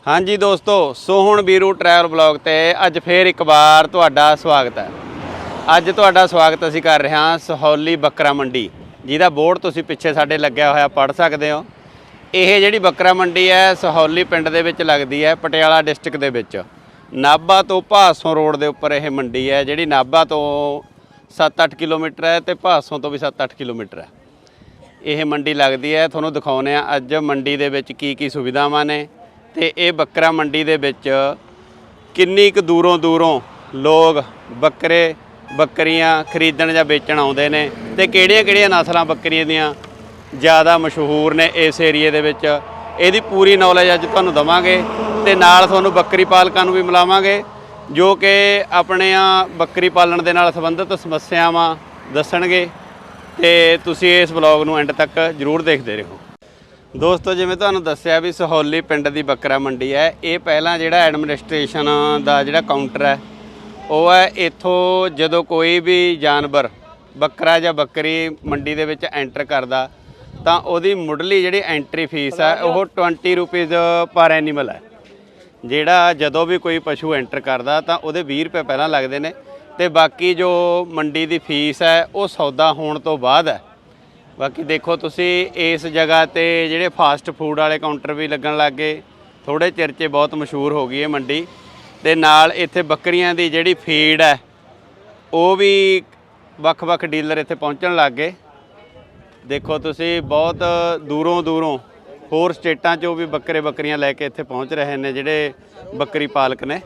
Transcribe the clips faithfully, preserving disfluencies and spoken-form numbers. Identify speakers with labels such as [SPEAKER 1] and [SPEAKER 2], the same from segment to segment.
[SPEAKER 1] हाँ जी दोस्तों, सो हुण बीरू ट्रैवल ब्लॉग ते अज फिर एक बार तुहाडा स्वागत है। अज तुहाडा स्वागत असीं कर रहे हां सहोली बकरा मंडी, जिहदा बोर्ड तुसीं पिछे साडे लग्या होया पढ़ सकदे हो। ਇਹ ਜਿਹੜੀ ਬੱਕਰਾ ਮੰਡੀ ਹੈ ਸਹੌਲੀ ਪਿੰਡ ਦੇ ਵਿੱਚ ਲੱਗਦੀ ਹੈ, ਪਟਿਆਲਾ ਡਿਸਟ੍ਰਿਕਟ ਦੇ ਵਿੱਚ। ਨਾਭਾ ਤੋਂ ਭਾਸੋਂ ਰੋਡ ਦੇ ਉੱਪਰ ਇਹ ਮੰਡੀ ਹੈ, ਜਿਹੜੀ ਨਾਭਾ ਤੋਂ ਸੱਤ ਅੱਠ ਕਿਲੋਮੀਟਰ ਹੈ ਤੇ ਭਾਸੋਂ ਤੋਂ ਵੀ ਸੱਤ ਅੱਠ ਕਿਲੋਮੀਟਰ ਹੈ। ਇਹ ਮੰਡੀ ਲੱਗਦੀ ਹੈ, ਤੁਹਾਨੂੰ ਦਿਖਾਉਂਦੇ ਆ ਅੱਜ ਮੰਡੀ ਦੇ ਵਿੱਚ ਕੀ ਕੀ ਸੁਵਿਧਾਵਾਂ ਨੇ ਤੇ ਇਹ ਬੱਕਰਾ ਮੰਡੀ ਦੇ ਵਿੱਚ ਕਿੰਨੀ ਕੁ ਦੂਰੋਂ ਦੂਰੋਂ ਲੋਕ ਬੱਕਰੇ ਬੱਕਰੀਆਂ ਖਰੀਦਣ ਜਾਂ ਵੇਚਣ ਆਉਂਦੇ ਨੇ ਤੇ ਕਿਹੜੀਆਂ ਕਿਹੜੀਆਂ ਨਸਲਾਂ ਬੱਕਰੀਆਂ ਦੀਆਂ ज़्यादा मशहूर ने इस एरिए दे विच। इहदी पूरी नॉलेज अज तुहानूं दवांगे ते नाल तुहानूं बकरी पालकां नूं भी मिलावांगे जो कि अपने बकरी पालन दे नाल संबंधित समस्यावां दस्सणगे ते तुसीं इस ब्लॉग नूं एंड तक जरूर देखदे रहो। दोस्तों जिवें तुहानूं दस्सिआ भी सहोली पिंड दी बकरा मंडी है, ये पहलां जिहड़ा एडमिनिस्ट्रेशन दा जिहड़ा काउंटर है वो है। इत्थों जदों कोई भी जानवर बकरा जां बकरी मंडी दे विच एंटर करदा ਤਾਂ ਉਹਦੀ ਮੁੱਢਲੀ ਜਿਹੜੀ ਐਂਟਰੀ ਫੀਸ ਹੈ ਉਹ ट्वेंटी ਰੁਪੀਜ਼ ਪਰ ਐਨੀਮਲ ਹੈ। ਜਿਹੜਾ ਜਦੋਂ ਵੀ ਕੋਈ ਪਸ਼ੂ ਐਂਟਰ ਕਰਦਾ ਤਾਂ ਉਹਦੇ ਵੀਹ ਰੁਪਏ ਪਹਿਲਾਂ ਲੱਗਦੇ ਨੇ ਤੇ ਬਾਕੀ ਜੋ ਮੰਡੀ ਦੀ ਫੀਸ ਹੈ ਉਹ ਸੌਦਾ ਹੋਣ ਤੋਂ ਬਾਅਦ ਹੈ। ਬਾਕੀ ਦੇਖੋ ਤੁਸੀਂ ਇਸ ਜਗ੍ਹਾ ਤੇ ਜਿਹੜੇ ਫਾਸਟ ਫੂਡ ਵਾਲੇ ਕਾਊਂਟਰ ਵੀ ਲੱਗਣ ਲੱਗ ਗਏ, ਥੋੜੇ ਚਿਰ 'ਚ ਬਹੁਤ ਮਸ਼ਹੂਰ ਹੋ ਗਈ ਇਹ ਮੰਡੀ। ਤੇ ਨਾਲ ਇੱਥੇ ਬੱਕਰੀਆਂ ਦੀ ਜਿਹੜੀ ਫੀਡ ਹੈ ਉਹ ਵੀ ਵੱਖ-ਵੱਖ ਡੀਲਰ ਇੱਥੇ ਪਹੁੰਚਣ ਲੱਗ ਗਏ। देखो तुसी बहुत दूरों दूरों होर स्टेटां चों भी बकरे बकरियां लैके इत्थे पहुँच रहे हैं जिहड़े बकरी पालक ने।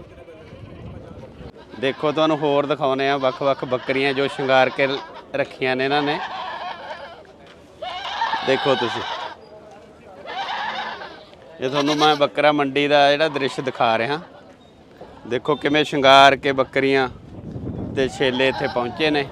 [SPEAKER 1] देखो तुहानूं होर दिखाउने आ वख-वख बकरियां जो शिंगार के रखियां ने इन्हां ने। देखो तुसी ये तुहानूं मैं बकरा मंडी दा जिहड़ा दृश्य दिखा रहा। देखो किवें शिंगार के बकरियां ते छेले इत्थे पहुँचे ने।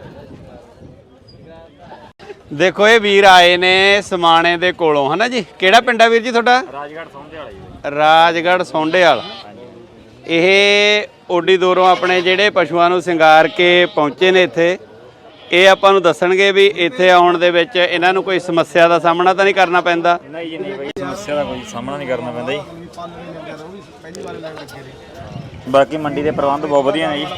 [SPEAKER 1] देखो ये वीर आए ने समाणे दे कोलों, है ना जी? केड़ा पिंड है वीर जी तुहाडा? राजगढ़ सोंडेवाल जी। राजगढ़ सोंडेवाल। ये ओडी दूरों अपने जिहड़े पशुआं नूं सिंगार के पहुंचे ने इत्थे, ये आपां नूं दस्सणगे भी इत्थे आउण दे विच इन्हां नूं कोई समस्या दा सामना तां नहीं करना पैंदा? नहीं जी नहीं भाई, समस्या दा कोई सामना नहीं करना पैंदा जी।
[SPEAKER 2] बाकी मंडी दे प्रबंध बहुत वधिया ने जी।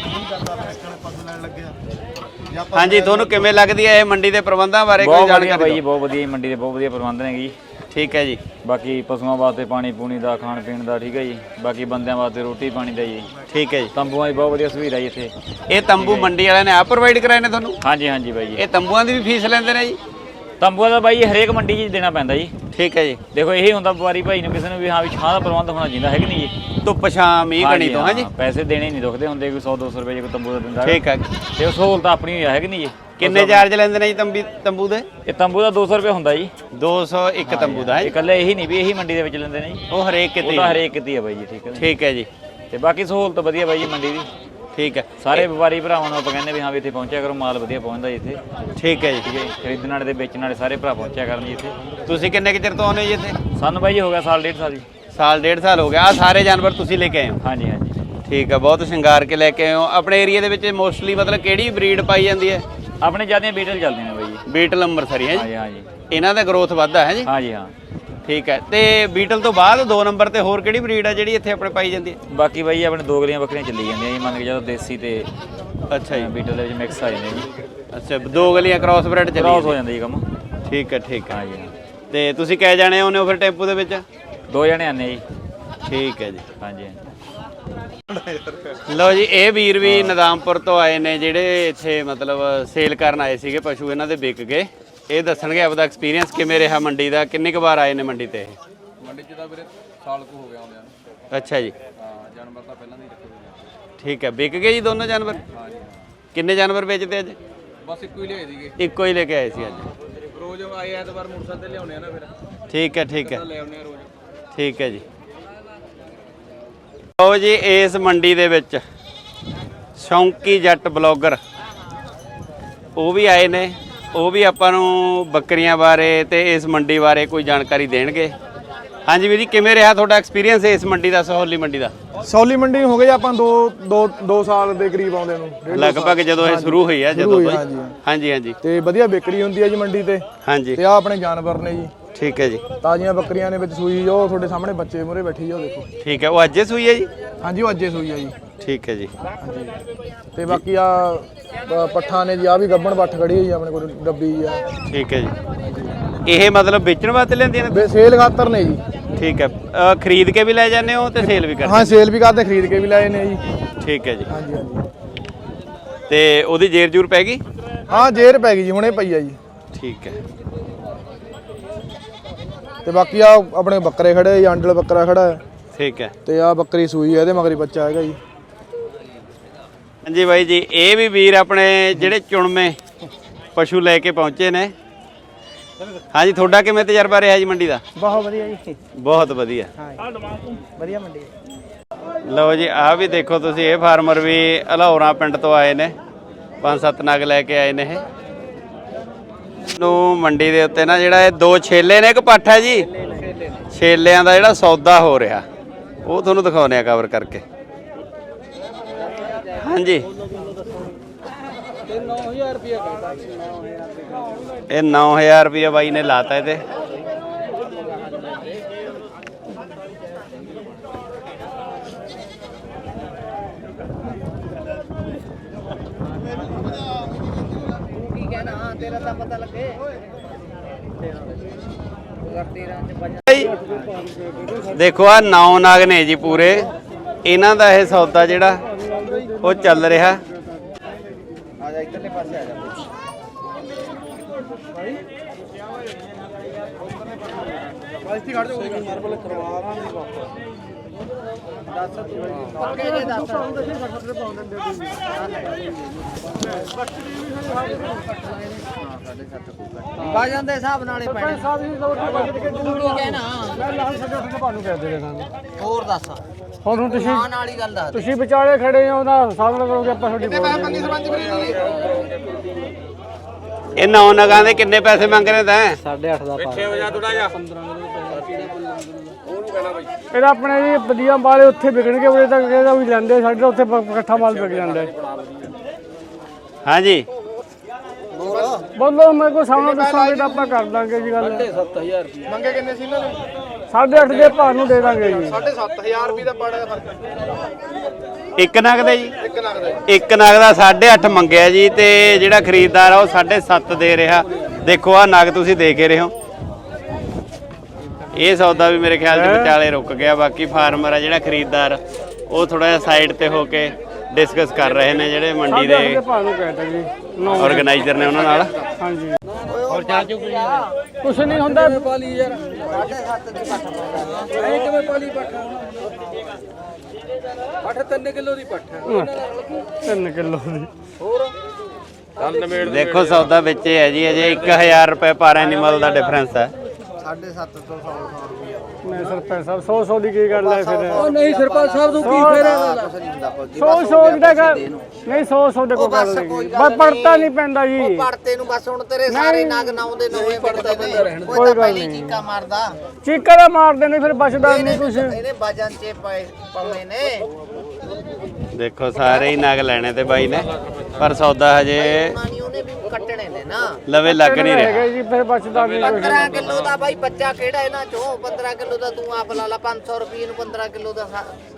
[SPEAKER 1] हाँ जी, थोनों किवें लगदी है मंडी के प्रबंधों बारे कोई जानकारी
[SPEAKER 2] भाई? बहुत वधिया मंडी के बहुत वधिया प्रबंध ने जी।
[SPEAKER 1] ठीक है जी।
[SPEAKER 2] बाकी पशुओं वास्ते पानी पूनी का खाण पीण का ठीक है जी। बाकी बंदियां वास्ते रोटी पानी का जी। ठीक है जी। तंबूआं की बहुत वधिया सुविधा जी इत्थे।
[SPEAKER 1] ये तंबू मंडी वाले ने आप प्रोवाइड कराए ने तुहानूं?
[SPEAKER 2] हाँ जी हाँ जी भाई।
[SPEAKER 1] ये तंबूआं की भी फीस लैंदे ने जी?
[SPEAKER 2] तंबूआं का भाई हरेक मंडी च देना पैंदा जी।
[SPEAKER 1] ठीक है जी।
[SPEAKER 2] देखो यही हुंदा व्यापारी भाई नूं किसी नूं भी हाँ भी छां दा प्रबंध होना चाहिए है कि नहीं जी?
[SPEAKER 1] धुप्प छां मींह कणी तो है जी।
[SPEAKER 2] पैसे देने नहीं दुखदे हुंदे, कोई सौ दो सौ रुपए जो तंबू का दिंदा।
[SPEAKER 1] ठीक है।
[SPEAKER 2] ते सहूलत अपनी है कि नहीं जी?
[SPEAKER 1] किन्ने चार्ज लैंदे ने जी तंबी तंबू दे?
[SPEAKER 2] ये तंबू का दो सौ रुपये हुंदा जी।
[SPEAKER 1] दो सौ एक तंबू का है?
[SPEAKER 2] इकल्ले यही नहीं भी यही मंडी दे विच लैंदे ने जी।
[SPEAKER 1] वो हरेक किते?
[SPEAKER 2] वो हरेक किते है भाई जी। ठीक है।
[SPEAKER 1] ठीक है जी।
[SPEAKER 2] ते बाकी सहूलत वधिया भाई जी मंडी दी।
[SPEAKER 1] ठीक है।
[SPEAKER 2] सारे व्यापारी भरावां नूं आपां कहंदे भी हाँ भी इत्थे पहुंचा करो, माल वधिया पहुंचदा जी इत्थे।
[SPEAKER 1] ठीक है जी।
[SPEAKER 2] ठीक है। खरीदण वाले ते बेचण वाले सारे भरा पहुंचा करन जी इत्थे।
[SPEAKER 1] तुसीं किन्ने क चिर तो आउंदे जी इत्थे?
[SPEAKER 2] सानूं भाई जी हो गया साल डेढ़ साल जी।
[SPEAKER 1] साल डेढ़ साल हो गया। आ सारे जानवर तुसीं लेके आए हो?
[SPEAKER 2] हाँ जी हाँ जी।
[SPEAKER 1] ठीक है, बहुत शिंगार के लेके आए हो। अपने एरिया दे विच मोस्टली मतलब किहड़ी ब्रीड पाई जाती है?
[SPEAKER 2] अपने ज़्यादा बीटल चलते हैं भाई जी।
[SPEAKER 1] बीटल अंमृतसरी है
[SPEAKER 2] हाँ
[SPEAKER 1] जी?
[SPEAKER 2] जी हाँ जी।
[SPEAKER 1] इन्हां दा ग्रोथ वधदा है जी?
[SPEAKER 2] हाँ जी हाँ।
[SPEAKER 1] ठीक है। तो बीटल तो बाद दो नंबर ते होर किहड़ी ब्रीड है जिहड़ी इत्थे अपने पाई जाती है?
[SPEAKER 2] बाकी भाई अपने दो गलियां बकरियां चली जांदियां जी, मान के चलो देसी ते
[SPEAKER 1] अच्छा जी
[SPEAKER 2] बीटल दे विच मिक्स आ जांदे जी।
[SPEAKER 1] अच्छा, दो गलियां क्रॉस ब्रेड चली
[SPEAKER 2] क्रॉस हो जांदा जी कम।
[SPEAKER 1] ठीक है ठीक है।
[SPEAKER 2] हाँ जी हाँ।
[SPEAKER 1] ते तुसीं कै जाणे आउंदे हो फिर टेंपू दे विच?
[SPEAKER 2] दो जने आने जी।
[SPEAKER 1] ठीक है जी।
[SPEAKER 2] हाँ जी
[SPEAKER 1] लो जी, ये वीर भी निजामपुर तो आए ने जिहड़े इत्थे मतलब सेल करन आए सीगे पशु, इन्हां दे विक गए। ये दस्सणगे आपदा एक्सपीरियंस किवें रिहा मंडी दा, किन्नी क बार आए ने मंडी ते?
[SPEAKER 3] मंडी च तां वीरे साल को हो गया आउंदिਆਂ ਨੂੰ।
[SPEAKER 1] अच्छा जी।
[SPEAKER 3] हाँ, जानवर ਤਾਂ ਪਹਿਲਾਂ ਨਹੀਂ ਰੱਖੇ ਹੋਏ।
[SPEAKER 1] ठीक है। विक गए जी दोनों जानवर?
[SPEAKER 3] हाँ जी हाँ।
[SPEAKER 1] किन्ने जानवर बेचते अज?
[SPEAKER 3] बस ਇੱਕੋ ਹੀ ਲਿਆਏ ਸੀਗੇ।
[SPEAKER 1] ਇੱਕੋ ਹੀ ਲੈ ਕੇ ਆਏ ਸੀ ਅੱਜ?
[SPEAKER 3] ਰੋਜ਼ ਆਏ ਐਤਵਾਰ ਮੋਟਰਸਾਈਕਲ ਤੇ ਲਿਆਉਣੇ ਆ ਨਾ ਫਿਰ।
[SPEAKER 1] ਠੀਕ ਹੈ ਠੀਕ ਹੈ।
[SPEAKER 3] ਲੈ ਆਉਣੇ ਆ ਰੋਜ਼।
[SPEAKER 1] ਠੀਕ ਹੈ ਜੀ। ਲਓ ਜੀ, ਇਸ ਮੰਡੀ ਦੇ ਵਿੱਚ ਸ਼ੌਂਕੀ ਜੱਟ ਬਲੌਗਰ ਉਹ ਵੀ ਆਏ ਨੇ, ਉਹ ਵੀ ਆਪਾਂ ਨੂੰ ਬੱਕਰੀਆਂ ਬਾਰੇ ਤੇ ਇਸ ਮੰਡੀ ਬਾਰੇ ਕੋਈ ਜਾਣਕਾਰੀ ਦੇਣਗੇ। ਹਾਂਜੀ ਵੀਰ ਜੀ, ਕਿਵੇਂ ਰਿਹਾ ਤੁਹਾਡਾ ਐਕਸਪੀਰੀਅੰਸ ਇਸ ਮੰਡੀ ਦਾ, ਸਹੌਲੀ ਮੰਡੀ ਦਾ?
[SPEAKER 4] ਸਹੌਲੀ ਮੰਡੀ ਹੋ ਗਈ ਆਪਾਂ ਦੋ ਦੋ ਦੋ ਸਾਲ ਦੇ ਕਰੀਬ ਆਉਂਦੇ ਨੂੰ,
[SPEAKER 1] ਲਗਭਗ ਜਦੋਂ ਇਹ ਸ਼ੁਰੂ ਹੋਈ ਆ ਜਦੋਂ ਤੋਂ।
[SPEAKER 4] ਹਾਂਜੀ
[SPEAKER 1] ਹਾਂਜੀ ਹਾਂਜੀ।
[SPEAKER 4] ਤੇ ਵਧੀਆ ਵਿਕਰੀ ਹੁੰਦੀ ਹੈ ਜੀ ਮੰਡੀ ਤੇ।
[SPEAKER 1] ਹਾਂਜੀ।
[SPEAKER 4] ਤੇ ਆ ਆਪਣੇ ਜਾਨਵਰ ਨੇ ਜੀ,
[SPEAKER 1] ਠੀਕ ਹੈ ਜੀ।
[SPEAKER 4] ਤਾਜ਼ੀਆਂ ਬੱਕਰੀਆਂ ਨੇ ਵਿੱਚ ਸੂਈ ਜੋ ਤੁਹਾਡੇ ਸਾਹਮਣੇ ਬੱਚੇ ਮੂਰੇ ਬੈਠੀ ਜੋ ਦੇਖੋ।
[SPEAKER 1] ਠੀਕ ਹੈ, ਉਹ ਅੱਜੇ ਸੂਈ ਹੈ ਜੀ?
[SPEAKER 4] ਹਾਂਜੀ ਉਹ ਅੱਜੇ ਸੂਈ ਆ ਜੀ।
[SPEAKER 1] ਠੀਕ ਹੈ ਜੀ।
[SPEAKER 4] ਹਾਂਜੀ ਤੇ ਬਾਕੀ ਆ ਪੱਠਾ ਨੇ ਜੀ, ਆ ਵੀ ਗੱਬਣ ਪੱਠ ਖੜੀ ਹੋਈ ਆਪਣੇ ਕੋਲ ਡੱਬੀ ਆ।
[SPEAKER 1] ਠੀਕ ਹੈ ਜੀ। ਇਹ ਮਤਲਬ ਵੇਚਣ ਵਾਸਤੇ ਲੈਂਦੀਆਂ ਨੇ?
[SPEAKER 4] ਬੇ ਸੇਲ ਖਾਤਰ ਨੇ ਜੀ।
[SPEAKER 1] ਠੀਕ ਹੈ, ਅ, ਖਰੀਦ ਕੇ ਵੀ ਲੈ ਜਾਂਦੇ ਹੋ ਤੇ ਸੇਲ ਵੀ ਕਰਦੇ?
[SPEAKER 4] ਹਾਂ ਸੇਲ ਵੀ ਕਰਦੇ, ਖਰੀਦ ਕੇ ਵੀ ਲਾਏ ਨੇ ਜੀ।
[SPEAKER 1] ਠੀਕ ਹੈ ਜੀ।
[SPEAKER 4] ਹਾਂਜੀ ਹਾਂਜੀ।
[SPEAKER 1] ਤੇ ਉਹਦੀ ਜੇਰ ਜੂਰ ਪੈ ਗਈ?
[SPEAKER 4] ਹਾਂ ਜੇਰ ਪੈ ਗਈ ਜੀ, ਹੁਣੇ ਪਈ ਆ ਜੀ।
[SPEAKER 1] ਠੀਕ ਹੈ।
[SPEAKER 4] ਤੇ ਬਾਕੀ ਆ ਆਪਣੇ ਬੱਕਰੇ ਖੜੇ, ਆਂਡਲ ਬੱਕਰਾ ਖੜਾ ਹੈ।
[SPEAKER 1] ਠੀਕ ਹੈ।
[SPEAKER 4] ਤੇ ਆ ਬੱਕਰੀ ਸੂਈ ਹੈ, ਇਹਦੇ ਮਗਰੀ ਬੱਚਾ ਹੈਗਾ ਜੀ।
[SPEAKER 1] ਹਾਂਜੀ ਬਾਈ ਜੀ, ਇਹ ਵੀ ਵੀਰ ਆਪਣੇ ਜਿਹੜੇ ਚੁਣਵੇਂ ਪਸ਼ੂ ਲੈ ਕੇ ਪਹੁੰਚੇ ਨੇ। ਹਾਂਜੀ, ਤੁਹਾਡਾ ਕਿਵੇਂ ਤਜਰਬਾ ਰਿਹਾ ਜੀ ਮੰਡੀ ਦਾ?
[SPEAKER 5] ਬਹੁਤ ਵਧੀਆ ਜੀ।
[SPEAKER 1] ਬਹੁਤ ਵਧੀਆ।
[SPEAKER 5] ਹਾਂ ਵਧੀਆ ਮੰਡੀ।
[SPEAKER 1] ਲਓ ਜੀ, ਆਹ ਵੀ ਦੇਖੋ ਤੁਸੀਂ, ਇਹ ਫਾਰਮਰ ਵੀ ਅਲਹੌਰਾ ਪਿੰਡ ਤੋਂ ਆਏ ਨੇ, ਪੰਜ ਸੱਤ ਨਗ ਲੈ ਕੇ ਆਏ ਨੇ। ਇਹ ਨੂੰ ਮੰਡੀ ਦੇ ਉੱਤੇ ਨਾ ਜਿਹੜਾ ਇਹ ਦੋ ਛੇਲੇ ਨੇ, ਇੱਕ ਪੱਠ ਹੈ ਜੀ, ਛੇਲਿਆਂ ਦਾ ਜਿਹੜਾ ਸੌਦਾ ਹੋ ਰਿਹਾ ਉਹ ਤੁਹਾਨੂੰ ਦਿਖਾਉਂਦੇ ਆ ਕਵਰ ਕਰਕੇ। ਹਾਂਜੀ, ਇਹ ਨੌ ਹਜ਼ਾਰ ਰੁਪਇਆ ਬਾਈ ਨੇ ਲਾਤਾ ਇਹਦੇ।
[SPEAKER 5] ਤੇਰਾ ਤਾਂ ਪਤਾ ਲੱਗੇ।
[SPEAKER 1] ਦੇਖੋ ਆ ਨੌ ਨਾਗ ਨੇ ਜੀ ਪੂਰੇ, ਇਹਨਾਂ ਦਾ ਇਹ ਸੌਦਾ ਜਿਹੜਾ ਉਹ ਚੱਲ ਰਿਹਾ।
[SPEAKER 5] ਆ ਜਾ ਇੱਧਰਲੇ ਪਾਸੇ ਆ ਜਾ।
[SPEAKER 4] ਬਾਈ ਖੜ ਜਾਓ ਯਾਰ, ਬੋਲੇ ਕਰਵਾ ਰਾਂਗੇ ਵਾਪਸ।
[SPEAKER 5] ਪੱਕੇ ਜੇ ਦੱਸ। ਬਾਜਾਂ ਦੇ ਹਿਸਾਬ ਨਾਲੇ ਪੈਣੇ। ਤੂੰ ਕੀ ਕਹਿਣਾ?
[SPEAKER 4] ਮੈਂ ਲਾਲ ਸਾਡੇ ਉੱਠ ਕੇ ਤੁਹਾਨੂੰ ਕਹਿ ਦੇ ਸਾਨੂੰ।
[SPEAKER 5] ਹੋਰ ਦੱਸ।
[SPEAKER 4] ਹੁਣ ਹੁਣ ਤੁਸੀਂ
[SPEAKER 5] ਆਣ ਵਾਲੀ ਗੱਲ ਦੱਸ।
[SPEAKER 4] ਤੁਸੀਂ ਵਿਚਾਲੇ ਖੜੇ ਹੋ, ਉਹਦਾ ਸਾਹਮਣੇ ਕਰੋਗੇ ਆਪਾਂ ਤੁਹਾਡੀ ਬੋਲ।
[SPEAKER 1] ਇਹ ਨੌ ਨਗਾਂ ਦੇ ਕਿੰਨੇ ਪੈਸੇ ਮੰਗ ਰਹੇ ਤੈਂ?
[SPEAKER 5] ਸਾਢੇ ਅੱਠ ਦਾ ਪਾ।
[SPEAKER 4] ਇਹਦਾ ਆਪਣੇ ਜੀ ਵਧੀਆ ਵਾਲੇ ਉੱਥੇ ਵਿਕਣਗੇ, ਉਰੇ ਤੱਕ ਇਹਦਾ ਵੀ ਲੈਂਦੇ, ਸਾਡੇ ਤਾਂ ਉੱਥੇ ਇਕੱਠਾ ਮਾਲ ਵਿਕ ਜਾਂਦਾ ਹੈ।
[SPEAKER 1] ਹਾਂਜੀ
[SPEAKER 4] ਬੋਲੋ, ਮੇਰੇ ਕੋਲ ਸਾਹਮਣੇ ਦੱਸੋਗੇ ਤਾਂ ਆਪਾਂ ਕਰ ਦਾਂਗੇ ਜੀ ਗੱਲ।
[SPEAKER 3] ਸੱਤ ਹਜ਼ਾਰ ਰੁਪਏ ਮੰਗੇ ਕਿੰਨੇ ਸੀ ਇਹਨਾਂ ਨੇ?
[SPEAKER 4] ਸਾਢੇ ਅੱਠ ਦੇ ਭਾਅ ਨੂੰ ਦੇ ਦਾਂਗੇ ਜੀ।
[SPEAKER 3] ਸਾਢੇ ਸੱਤ ਹਜ਼ਾਰ ਰੁਪਏ ਦਾ ਪਾੜਾ ਦਾ ਫਰਕ।
[SPEAKER 1] ਇੱਕ ਨਗ ਦਾ ਜੀ?
[SPEAKER 3] ਇੱਕ ਲੱਖ ਦਾ
[SPEAKER 1] ਇੱਕ ਨਗ ਦਾ ਸਾਢੇ ਅੱਠ ਮੰਗਿਆ ਜੀ, ਤੇ ਜਿਹੜਾ ਖਰੀਦਦਾਰ ਆ ਉਹ ਸਾਢੇ ਸੱਤ ਦੇ ਰਿਹਾ। ਦੇਖੋ ਆ ਨਗ ਤੁਸੀਂ ਦੇਖ ਰਹੇ ਹੋ। ਇਹ ਸੌਦਾ ਵੀ ਮੇਰੇ ਖਿਆਲ 'ਚ ਵਿਚਾਲੇ ਰੁਕ ਗਿਆ। ਬਾਕੀ ਫਾਰਮਰ ਆ ਜਿਹੜਾ ਖਰੀਦਦਾਰ, ਉਹ ਥੋੜਾ ਜਿਹਾ ਸਾਈਡ ਤੇ ਹੋ ਕੇ ਡਿਸਕਸ ਕਰ ਰਹੇ ਨੇ, ਜਿਹੜੇ ਮੰਡੀ ਦੇ ਆਰਗੇਨਾਈਜ਼ਰ ਨੇ ਉਹਨਾਂ ਨਾਲ।
[SPEAKER 4] ਹਾਂਜੀ ਹੋਰ ਚਾਚੂ ਕੁਛ ਨਹੀਂ ਹੁੰਦਾ।
[SPEAKER 3] ਪਾਲੀ ਯਾਰ
[SPEAKER 5] ਸਾਢੇ ਸੱਤ ਦੀ ਪੱਠ ਪਾਉਂਦਾ।
[SPEAKER 3] ਐ ਕਿਵੇਂ ਪਾਲੀ ਪੱਠ? ਪੱਠ ਤਿੰਨ ਕਿਲੋ ਦੀ ਪੱਠ ਹੈ।
[SPEAKER 4] ਤਿੰਨ ਕਿਲੋ ਦੀ।
[SPEAKER 3] ਹੋਰ ਚੱਲ ਨਵੇੜ।
[SPEAKER 1] ਦੇਖੋ ਸੌਦਾ ਵਿੱਚ ਹੀ ਹੈ ਜੀ, ਅਜੇ ਇੱਕ ਹਜ਼ਾਰ ਰੁਪਏ ਪਰ ਐਨੀਮਲ ਦਾ ਡਿਫਰੈਂਸ ਹੈ।
[SPEAKER 5] ਸਾਢੇ ਸੱਤ ਤੋਂ ਸੌ ਸੌ ਰੁਪਈਆ।
[SPEAKER 4] ਨਹੀਂ ਸਰਪੰਚ ਸਾਹਿਬ, ਸੌ ਸੌ ਦੀ ਕੀ ਗੱਲ ਹੈ ਫਿਰ?
[SPEAKER 3] ਉਹ ਨਹੀਂ ਸਰਪੰਚ ਸਾਹਿਬ ਤੂੰ ਕੀ ਫੇਰ
[SPEAKER 5] ਕੁਛ ਨਹੀਂ ਹੁੰਦਾ ਫੌਜੀ।
[SPEAKER 4] ਸੌ ਸੌ ਦੀ ਗੱਲ ਨਹੀਂ, ਸੌ ਸੌ ਦੇ ਕੋਈ ਗੱਲ ਨਹੀਂ। ਬਸ ਪੜਤਾ ਨਹੀਂ ਪੈਂਦਾ ਜੀ।
[SPEAKER 5] ਪੜਤੇ ਨੂੰ ਬਸ ਹੁਣ ਤੇਰੇ ਸਾਰੇ ਨਗ ਨਾਉਂਦੇ ਨਵੇਂ ਪੜਦੇ ਨੇ। ਕੋਈ ਤਾਂ ਪਹਿਲੀ ਚੀਕਾ ਮਾਰਦਾ।
[SPEAKER 4] ਚੀਕਾ ਦਾ ਮਾਰਦੇ ਨੇ, ਫਿਰ ਬਚਦਾ ਨਹੀਂ ਕੁਛ।
[SPEAKER 5] ਇਹਨੇ ਵਜਨ ਚ ਪਾਉਣੇ ਨੇ।
[SPEAKER 1] ਦੇਖੋ ਸਾਰੇ ਹੀ ਨਗ ਲੈਣੇ ਤੇ ਬਾਈ ਨੇ, ਪਰ ਸੌਦਾ ਹਜੇ
[SPEAKER 5] ਮਾਨੀ ਉਹਨੇ ਵੀ ਕੱਟਣੇ ਨੇ ਨਾ।
[SPEAKER 1] ਲਵੇ ਲੱਗ ਨਹੀਂ ਰਿਹਾ
[SPEAKER 4] ਹੈਗਾ ਜੀ, ਫਿਰ ਬਚਦਾ ਨਹੀਂ ਕੁਛ।
[SPEAKER 5] ਪੰਦਰਾਂ ਕਿਲੋ ਦਾ ਬਾਈ ਬੱਚਾ ਕਿਹੜਾ ਇਹਨਾਂ ਚੋਂ? ਪੰਦਰਾਂ ਕਿਲੋ ਦਾ ਤੂੰ ਆਪ ਲਾ ਲਾ। ਪੰਜ ਸੌ ਰੁਪਏ ਨੂੰ ਪੰਦਰਾਂ ਕਿਲੋ ਦਾ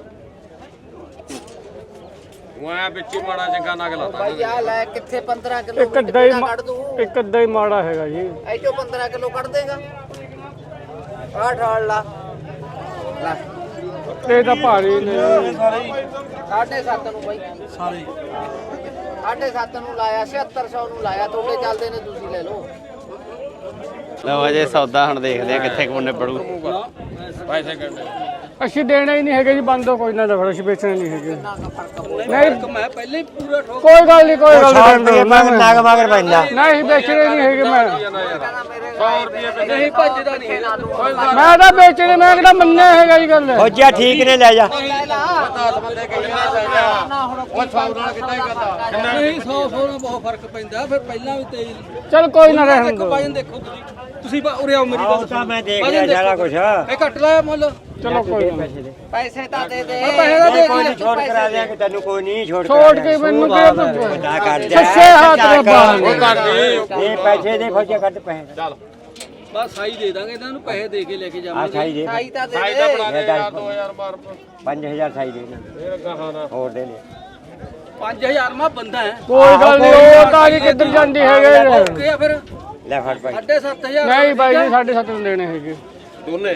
[SPEAKER 3] ਮੈਂ ਵਿੱਚ ਹੀ ਮਾੜਾ ਚੰਗਾ ਨਗ ਲਾਤਾ।
[SPEAKER 5] ਬਾਈ ਆ ਲੈ ਕਿੱਥੇ ਪੰਦਰਾਂ ਕਿਲੋ
[SPEAKER 4] ਇੱਕ ਅੱਧਾ ਹੀ
[SPEAKER 5] ਕੱਢ ਦੂੰ।
[SPEAKER 4] ਇੱਕ ਅੱਧਾ ਹੀ ਮਾੜਾ ਹੈਗਾ ਜੀ।
[SPEAKER 5] ਐ ਚੋਂ ਪੰਦਰਾਂ ਕਿਲੋ ਕੱਢ ਦੇਗਾ। ਆਹ ਠਾਲ ਲਾ ਲੈ।
[SPEAKER 4] ਇਹ ਤਾਂ ਭਾਰੀ ਨੇ।
[SPEAKER 5] ਸਾਢੇ ਸੱਤ ਨੂੰ ਬਾਈ ਸਾਰੇ ਸਾਢੇ ਸੱਤ ਨੂੰ ਲਾਇਆ, ਛਿਅੱਤਰ ਸੌ ਨੂੰ ਲਾਇਆ। ਤੁਹਾਡੇ ਚੱਲਦੇ ਨੇ, ਤੁਸੀਂ ਲੈ ਲਓ।
[SPEAKER 1] ਲਓ ਅਜੇ ਸੌਦਾ ਹੁਣ ਦੇਖਦੇ ਆ ਕਿੱਥੇ ਕੋਨੇ ਪੜੂ।
[SPEAKER 3] ਪੈਸੇ ਕੱਢ।
[SPEAKER 4] ਅਸੀਂ ਦੇਣਾ ਹੀ ਨਹੀਂ ਹੈਗੇ ਜੀ, ਬੰਦੋ ਕੋਈ ਨਾ ਦਫੜ, ਅਸੀਂ ਵੇਚਣੇ ਨਹੀਂ ਹੈਗੇ। ਨਹੀਂ
[SPEAKER 3] ਮੈਂ ਪਹਿਲੇ ਹੀ ਪੂਰਾ ਠੋਕ।
[SPEAKER 4] ਕੋਈ ਗੱਲ ਨਹੀਂ, ਕੋਈ ਗੱਲ ਨਹੀਂ।
[SPEAKER 6] ਮੈਂ ਨਾਗ ਮਗਰ ਪੈਂਦਾ
[SPEAKER 4] ਨਹੀਂ ਵੇਚਣੇ ਨਹੀਂ ਹੈਗੇ। ਮੈਂ
[SPEAKER 3] ਸੌ ਰੁਪਏ ਨਹੀਂ ਭੱਜਦਾ ਨਹੀਂ ਹੈਗਾ।
[SPEAKER 4] ਮੈਂ ਤਾਂ ਵੇਚਣੇ, ਮੈਂ ਕਿਹੜਾ ਮੰਨਿਆ ਹੈਗਾ ਜੀ ਗੱਲ।
[SPEAKER 6] ਫੌਜੀਆ ਠੀਕ ਨੇ ਲੈ ਜਾ।
[SPEAKER 3] ਦਸ ਬੰਦੇ ਕਹੀ ਨਾ ਉਹ ਸੌ ਨਾਲ ਕਿੱਦਾਂ ਹੀ ਕਰਦਾ। ਨਹੀਂ ਸੌ ਸੌ ਨਾਲ ਬਹੁਤ ਫਰਕ ਪੈਂਦਾ। ਫਿਰ ਪਹਿਲਾਂ ਵੀ ਤੇਜ਼
[SPEAKER 4] ਚਲ ਕੋਈ ਨਾ ਰਹਿਣ ਦੋ।
[SPEAKER 3] ਵਜਨ ਦੇਖੋ ਤੁਸੀਂ। ਤੁਸੀਂ ਉਰੇ ਆਓ ਮੇਰੀ ਗੱਲ
[SPEAKER 6] ਤਾਂ ਮੈਂ ਦੇਖ ਲਿਆ ਸਾਰਾ ਕੁਝ।
[SPEAKER 3] ਇਹ ਘੱਟ ਲਾਇਆ ਮੁੱਲ।
[SPEAKER 4] ਚਲੋ ਕੋਈ ਨਾ।
[SPEAKER 5] ਪੈਸੇ ਤਾਂ ਦੇ ਦੇ।
[SPEAKER 3] ਪੈਸੇ ਤਾਂ ਦੇ
[SPEAKER 6] ਕੋਈ ਨਹੀਂ ਛੋੜ ਕਰਾ ਦਿਆਂਗੇ ਤੈਨੂੰ, ਕੋਈ ਨਹੀਂ ਛੋੜ
[SPEAKER 4] ਛੋੜ ਕੇ ਮੈਨੂੰ ਕਿਹੜਾ
[SPEAKER 6] ਨਾ ਕਰ ਦੇ।
[SPEAKER 4] ਸੱਸੇ ਹੱਥ ਰੱਬਾ।
[SPEAKER 6] ਇਹ ਪੈਸੇ ਦੇ ਫੌਜੀਆ ਕੱਢ ਪੈਸੇ।
[SPEAKER 3] ਚੱਲ ਬਸ ਸਾਈ ਦੇ ਦਾਂਗੇ ਇਹਨਾਂ ਨੂੰ ਪੈਸੇ ਦੇ ਕੇ ਲੈ ਕੇ
[SPEAKER 6] ਆ
[SPEAKER 3] ਜਾਵਾਂਗੇ
[SPEAKER 6] ਸਾਈ ਦੇ
[SPEAKER 5] ਸਾਈ ਤਾਂ ਦੇ ਦੇ
[SPEAKER 6] ਪੰਜ ਹਜ਼ਾਰ ਸਾਈ ਦੇ ਹੋਰ ਦੇ ਲੈ
[SPEAKER 3] ਪੰਜ ਹਜ਼ਾਰ ਮਾ ਬੰਦਾ ਹੈ
[SPEAKER 4] ਕੋਈ ਗੱਲ ਨਹੀਂ ਉਹ ਤਾਂ ਅਜੇ ਕਿੱਧਰ ਜਾਂਦੀ ਹੈਗੇ
[SPEAKER 3] ਓਕੇ ਆ ਫਿਰ
[SPEAKER 6] ਲੈ ਫੜ ਭਾਈ
[SPEAKER 3] ਸਾਢੇ ਸੱਤ ਹਜ਼ਾਰ
[SPEAKER 4] ਨਹੀਂ ਬਾਈ ਜੀ ਸਾਢੇ ਸੱਤ ਨੂੰ ਦੇਣੇ ਹੈਗੇ
[SPEAKER 3] ਦੋਨੇ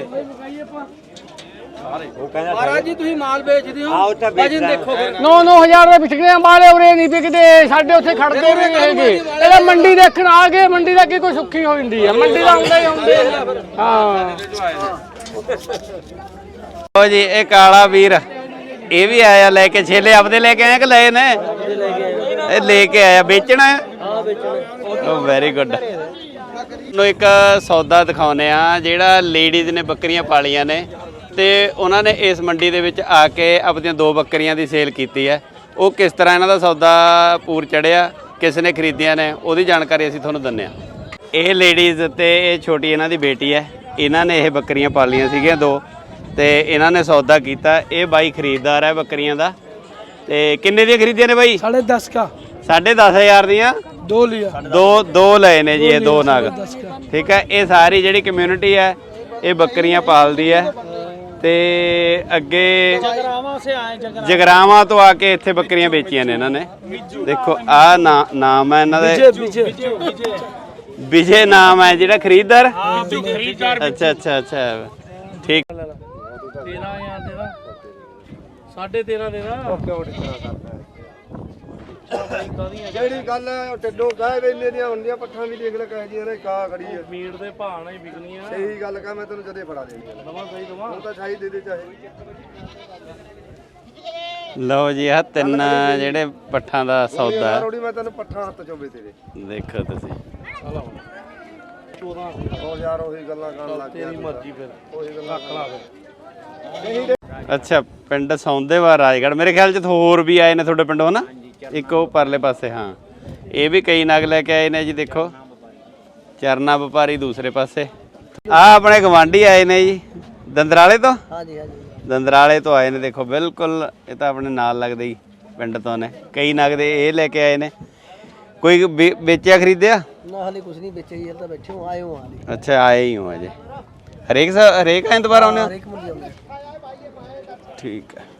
[SPEAKER 6] ਉਹ ਕਹਿੰਦਾ
[SPEAKER 3] ਮਹਾਰਾਜ ਜੀ ਤੁਸੀਂ ਮਾਲ ਵੇਚਦੇ ਹੋ
[SPEAKER 6] ਆਹ ਉੱਥੇ
[SPEAKER 3] ਵਜਨ
[SPEAKER 6] ਵੇਚਦਾ।
[SPEAKER 3] ਦੇਖੋ ਫਿਰ
[SPEAKER 4] ਨੌ ਨੌ ਹਜ਼ਾਰ ਦੇ ਵਿਕਦੇ ਵਾਲੇ ਉਰੇ ਨਹੀਂ ਵਿਕਦੇ ਸਾਡੇ ਉੱਥੇ ਖੜਦੇ ਵੀ ਨਹੀਂ ਹੈਗੇ ਇਹਦਾ ਮੰਡੀ ਦੇਖਣ ਆ ਗਏ ਮੰਡੀ ਦਾ ਕੀ ਕੋਈ ਸੁੱਖੀ ਹੋ ਜਾਂਦੀ ਹੈ ਮੰਡੀ ਦਾ ਆਉਂਦਾ ਹੀ ਆਉਂਦੇ ਹਾਂ
[SPEAKER 1] ਲਓ ਜੀ ਇਹ ਕਾਲਾ ਵੀਰ ਇਹ ਵੀ ਆਇਆ ਲੈ ਕੇ ਛੇਲੇ ਆਪਦੇ ਲੈ ਕੇ ਆਏ ਕਿ ਲਏ ਨੇ ਇਹ ਲੈ ਕੇ ਆਇਆ ਵੇਚਣਾ ਹੈ ਹਾਂ ਵੇਚਣਾ ਓ ਵੈਰੀ ਗੁੱਡ ਨੂੰ ਇੱਕ ਸੌਦਾ ਦਿਖਾਉਨੇ ਆ ਜਿਹੜਾ ਲੇਡੀਜ਼ ਨੇ ਬੱਕਰੀਆਂ ਪਾਲੀਆਂ ਨੇ ਤੇ ਉਹਨਾਂ ਨੇ ਇਸ ਮੰਡੀ ਦੇ ਵਿੱਚ ਆ ਕੇ ਆਪਣੀਆਂ ਦੋ ਬੱਕਰੀਆਂ ਦੀ ਸੇਲ ਕੀਤੀ ਹੈ ਉਹ ਕਿਸ ਤਰ੍ਹਾਂ ਇਹਨਾਂ ਦਾ ਸੌਦਾ ਪੂਰ ਚੜਿਆ ਕਿਸ ਨੇ ਖਰੀਦੀਆਂ ਨੇ ਉਹਦੀ ਜਾਣਕਾਰੀ ਅਸੀਂ ਤੁਹਾਨੂੰ ਦਿੰਨੇ ਆ ਇਹ ਲੇਡੀਜ਼ ਤੇ ਇਹ ਛੋਟੀ ਇਹਨਾਂ ਦੀ ਬੇਟੀ ਹੈ ਇਹਨਾਂ ਨੇ ਇਹ ਬੱਕਰੀਆਂ ਪਾਲੀਆਂ ਸੀਗੀਆਂ ਦੋ ਤੇ ਇਹਨਾਂ ਨੇ ਸੌਦਾ ਕੀਤਾ ਇਹ ਬਾਈ ਖਰੀਦਦਾਰ ਹੈ ਬੱਕਰੀਆਂ ਦਾ ਤੇ ਕਿੰਨੇ ਦੀਆਂ ਖਰੀਦੀਆਂ ਨੇ ਬਾਈ
[SPEAKER 4] ਸਾਢੇ ਦਸ ਕਾ
[SPEAKER 1] ਸਾਢੇ ਦਸ ਹਜ਼ਾਰ ਦੀਆਂ
[SPEAKER 4] ਦੋ ਲਿਆ
[SPEAKER 1] ਦੋ ਦੋ ਲਏ ਨੇ ਜੀ ਇਹ ਦੋ ਨਾਗ ਠੀਕ ਹੈ ਇਹ ਸਾਰੀ ਜਿਹੜੀ ਕਮਿਊਨਿਟੀ ਹੈ ਇਹ ਬੱਕਰੀਆਂ ਪਾਲਦੀ ਹੈ ਤੇ ਅੱਗੇ ਜਗਰਾਵਾਂ ਤੋਂ ਆ ਕੇ ਇੱਥੇ ਬੱਕਰੀਆਂ ਵੇਚੀਆਂ ਨੇ ਇਹਨਾਂ ਨੇ ਦੇਖੋ ਆ ਨਾਮ ਹੈ ਇਹਨਾਂ ਦੇ ਵਿਜੇ ਨਾਮ ਹੈ ਜਿਹੜਾ ਖਰੀਦਦਾਰ ਅੱਛਾ ਅੱਛਾ ਅੱਛਾ ਠੀਕ
[SPEAKER 4] ਤੇਰਾਂ ਹਜ਼ਾਰ ਦੇ ਦਾ ਸਾਢੇ ਤੇਰਾਂ ਦੇ ਦਾ
[SPEAKER 7] ਜਿਹੜੀ ਗੱਲ ਹੈ ਉਹ ਟੱਡੋ ਗਾਏ ਵੇਲੇ ਦੀਆਂ ਹੁੰਦੀਆਂ ਪੱਠਾਂ ਵੀ ਦੇਖ ਲੈ ਕਹੇ ਜੀਆਂ ਨੇ ਕਾ ਖੜੀ ਹੈ
[SPEAKER 4] ਮੀਟ ਦੇ ਭਾਅ ਨਾਲ ਹੀ ਵਿਕਣੀਆਂ
[SPEAKER 7] ਸਹੀ ਗੱਲ ਕਹਾਂ ਮੈਂ ਤੈਨੂੰ ਜਦੇ ਫੜਾ ਦੇਣੀ
[SPEAKER 4] ਨਵਾਂ ਸਹੀ ਦਵਾ
[SPEAKER 7] ਹੁਣ ਤਾਂ ਛਾਈ ਦੇ ਦੇ ਚਾਹੇ
[SPEAKER 1] ਲਓ ਜੀ ਆ ਤਿੰਨ ਜਿਹੜੇ ਪੱਠਾਂ ਦਾ ਸੌਦਾ ਹੈ
[SPEAKER 7] ਰੋੜੀ ਮੈਂ ਤੈਨੂੰ ਪੱਠਾਂ ਹੱਥ ਚੋਵੇ ਤੇਰੇ
[SPEAKER 1] ਦੇਖੋ ਤੁਸੀਂ
[SPEAKER 7] ਚੌਦਾਂ ਸੌ ਯਾਰ ਉਹੀ ਗੱਲਾਂ ਕਰਨ ਲੱਗ ਗਿਆ ਤੇਰੀ ਮਰਜ਼ੀ ਫਿਰ ਉਹੀ ਗੱਲਾਂ ਰੱਖ ਲਾ
[SPEAKER 1] ਅੱਛਾ ਪਿੰਡ ਸੌਂਦੇਵਾਲ ਰਾਜਗੜ੍ਹ ਮੇਰੇ ਖਿਆਲ ਚ ਹੋਰ ਵੀ ਆਏ ਨੇ ਤੁਹਾਡੇ ਪਿੰਡੋਂ ਨਾ ਇੱਕ ਉਹ ਪਰਲੇ ਪਾਸੇ ਹਾਂ ਇਹ ਵੀ ਕਈ ਨਗ ਲੈ ਕੇ ਆਏ ਨੇ ਜੀ ਦੇਖੋ ਚਰਨਾ ਵਪਾਰੀ ਦੂਸਰੇ ਪਾਸੇ ਆ ਆਪਣੇ ਗਵਾਂਢੀ ਆਏ ਨੇ ਜੀ ਦੰਦਰਾਲੇ ਤੋਂ
[SPEAKER 5] ਹਾਂਜੀ ਹਾਂਜੀ
[SPEAKER 1] ਦੰਦਰਾਲੇ ਤੋਂ ਆਏ ਨੇ ਦੇਖੋ ਬਿਲਕੁਲ ਇਹ ਤਾਂ ਆਪਣੇ ਨਾਲ ਲੱਗਦੇ ਹੀ ਪਿੰਡ ਤੋਂ ਨੇ ਕਈ ਨਗ ਦੇ ਇਹ ਲੈ ਕੇ ਆਏ ਨੇ ਕੋਈ ਵੇ- ਵੇਚਿਆ ਖਰੀਦਿਆ
[SPEAKER 5] ਨਾ ਹਲੇ ਕੁਝ ਨਹੀਂ ਵੇਚਿਆ ਜੀ ਹਲ ਤਾਂ ਬੈਠੇ ਹੋ ਆਏ ਹੋ ਹਾਲੇ
[SPEAKER 1] ਅੱਛਾ ਆਏ ਹੀ ਹੋ ਅਜੇ ਹਰੇਕ ਸ- ਹਰੇਕ ਐਤਵਾਰ ਆਉਂਦੇ ਹੋ
[SPEAKER 5] ਇੱਕ ਮੁੰਡੇ ਆਉਂਦੇ
[SPEAKER 1] ਠੀਕ ਹੈ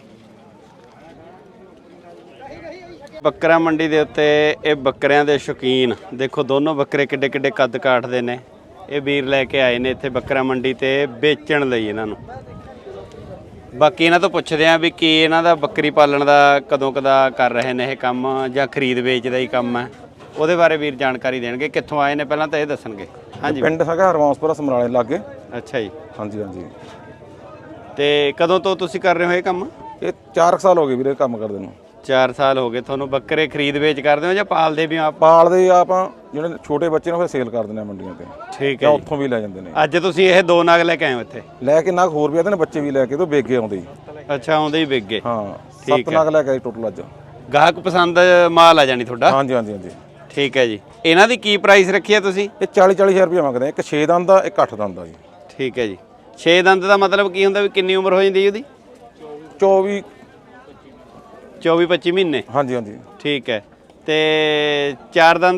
[SPEAKER 1] ਬੱਕਰਾ ਮੰਡੀ ਦੇ ਉੱਤੇ ਇਹ ਬੱਕਰਿਆਂ ਦੇ ਸ਼ੌਕੀਨ ਦੇਖੋ ਦੋਨੋਂ ਬੱਕਰੇ ਕਿੱਡੇ ਕਿੱਡੇ ਕੱਦ ਕਾਠਦੇ ਨੇ ਇਹ ਵੀਰ ਲੈ ਕੇ ਆਏ ਨੇ ਇੱਥੇ ਬੱਕਰਾ ਮੰਡੀ ਤੇ ਵੇਚਣ ਲਈ ਇਹਨਾਂ ਨੂੰ ਬਾਕੀ ਇਹਨਾਂ ਤੋਂ ਪੁੱਛਦੇ ਆਂ ਵੀ ਕੀ ਇਹਨਾਂ ਦਾ ਬੱਕਰੀ ਪਾਲਣ ਦਾ ਕਦੋਂ ਕਦਾ ਕਰ ਰਹੇ ਨੇ ਇਹ ਕੰਮ ਜਾਂ ਖਰੀਦ ਵੇਚ ਦਾ ਹੀ ਕੰਮ ਹੈ ਉਹਦੇ ਬਾਰੇ ਵੀਰ ਜਾਣਕਾਰੀ ਦੇਣਗੇ ਕਿੱਥੋਂ ਆਏ ਨੇ ਪਹਿਲਾਂ ਤਾਂ ਇਹ ਦੱਸਣਗੇ ਹਾਂਜੀ
[SPEAKER 8] ਪਿੰਡ ਹੈਗਾ ਹਰਵਾਂਸਪੁਰਾ ਸਮਰਾਲੇ ਲਾਗੇ
[SPEAKER 1] ਅੱਛਾ ਜੀ
[SPEAKER 8] ਹਾਂਜੀ ਹਾਂਜੀ
[SPEAKER 1] ਤੇ ਕਦੋਂ ਤੋਂ ਤੁਸੀਂ ਕਰ ਰਹੇ ਹੋ ਇਹ ਕੰਮ
[SPEAKER 8] ਇਹ ਚਾਰ ਸਾਲ ਹੋ ਗਏ ਵੀਰੇ ਕੰਮ ਕਰਦੇ ਨੂੰ
[SPEAKER 1] ਚਾਰ ਸਾਲ ਹੋ ਗਏ ਤੁਹਾਨੂੰ ਬੱਕਰੇ ਖਰੀਦ ਵੇਚ ਕਰਦੇ ਹੋ ਜਾਂ ਪਾਲਦੇ ਵੀ ਹੋ ਆਪ
[SPEAKER 8] ਪਾਲਦੇ ਆਪਾਂ ਜਿਹੜੇ ਛੋਟੇ ਬੱਚੇ ਨੇ ਫਿਰ ਸੇਲ ਕਰ ਦਿੰਦੇ ਆ ਮੰਡੀਆਂ ਤੇ
[SPEAKER 1] ਠੀਕ
[SPEAKER 8] ਜਾਂ
[SPEAKER 1] ਹੈ
[SPEAKER 8] ਉੱਥੋਂ ਵੀ ਲੈ ਜਾਂਦੇ ਨੇ
[SPEAKER 1] ਅੱਜ ਤੁਸੀਂ ਇਹ ਦੋ ਨਗ ਲੈ ਕੇ ਆਏ ਹੋ ਇੱਥੇ
[SPEAKER 8] ਲੈ ਕੇ ਨਾਗ ਹੋਰ ਵੀ ਆਦੇ ਨੇ ਬੱਚੇ ਵੀ ਲੈ ਕੇ ਤੋਂ ਵੇਗੇ ਆਉਂਦੇ ਜੀ
[SPEAKER 1] ਅੱਛਾ ਆਉਂਦੇ ਹੀ ਵਿਕ ਗਏ
[SPEAKER 8] ਹਾਂ
[SPEAKER 1] ਠੀਕ
[SPEAKER 8] ਸੱਤ ਨਾਗ ਲੈ ਕੇ ਆਏ ਟੋਟਲ ਅੱਜ
[SPEAKER 1] ਗਾਹਕ ਪਸੰਦ ਮਾਲ ਆ ਜਾਣੀ ਤੁਹਾਡਾ
[SPEAKER 8] ਹਾਂਜੀ ਹਾਂਜੀ ਹਾਂਜੀ
[SPEAKER 1] ਠੀਕ ਹੈ ਜੀ ਇਹਨਾਂ ਦੀ ਕੀ ਪ੍ਰਾਈਸ ਰੱਖੀ ਹੈ ਤੁਸੀਂ
[SPEAKER 8] ਇਹ ਚਾਲੀ ਚਾਲੀ ਹਜ਼ਾਰ ਰੁਪਏ ਮੰਗਦੇ ਆ ਇੱਕ ਛੇ ਦੰਦ ਦਾ ਇੱਕ ਅੱਠ ਦੰਦ ਦਾ ਜੀ
[SPEAKER 1] ਠੀਕ ਹੈ ਜੀ ਛੇ ਦੰਦ ਦਾ ਮਤਲਬ ਕੀ ਹੁੰਦਾ ਵੀ ਕਿੰਨੀ ਉਮਰ ਹੋ ਜਾਂਦੀ ਉਹਦੀ
[SPEAKER 8] ਚੌਵੀ
[SPEAKER 1] ਚੌਵੀ ਪੱਚੀ ਮਹੀਨੇ
[SPEAKER 8] ਹਾਂਜੀ ਹਾਂਜੀ
[SPEAKER 1] ਠੀਕ ਹੈ ਤੇ ਚਾਰ ਦੰਦ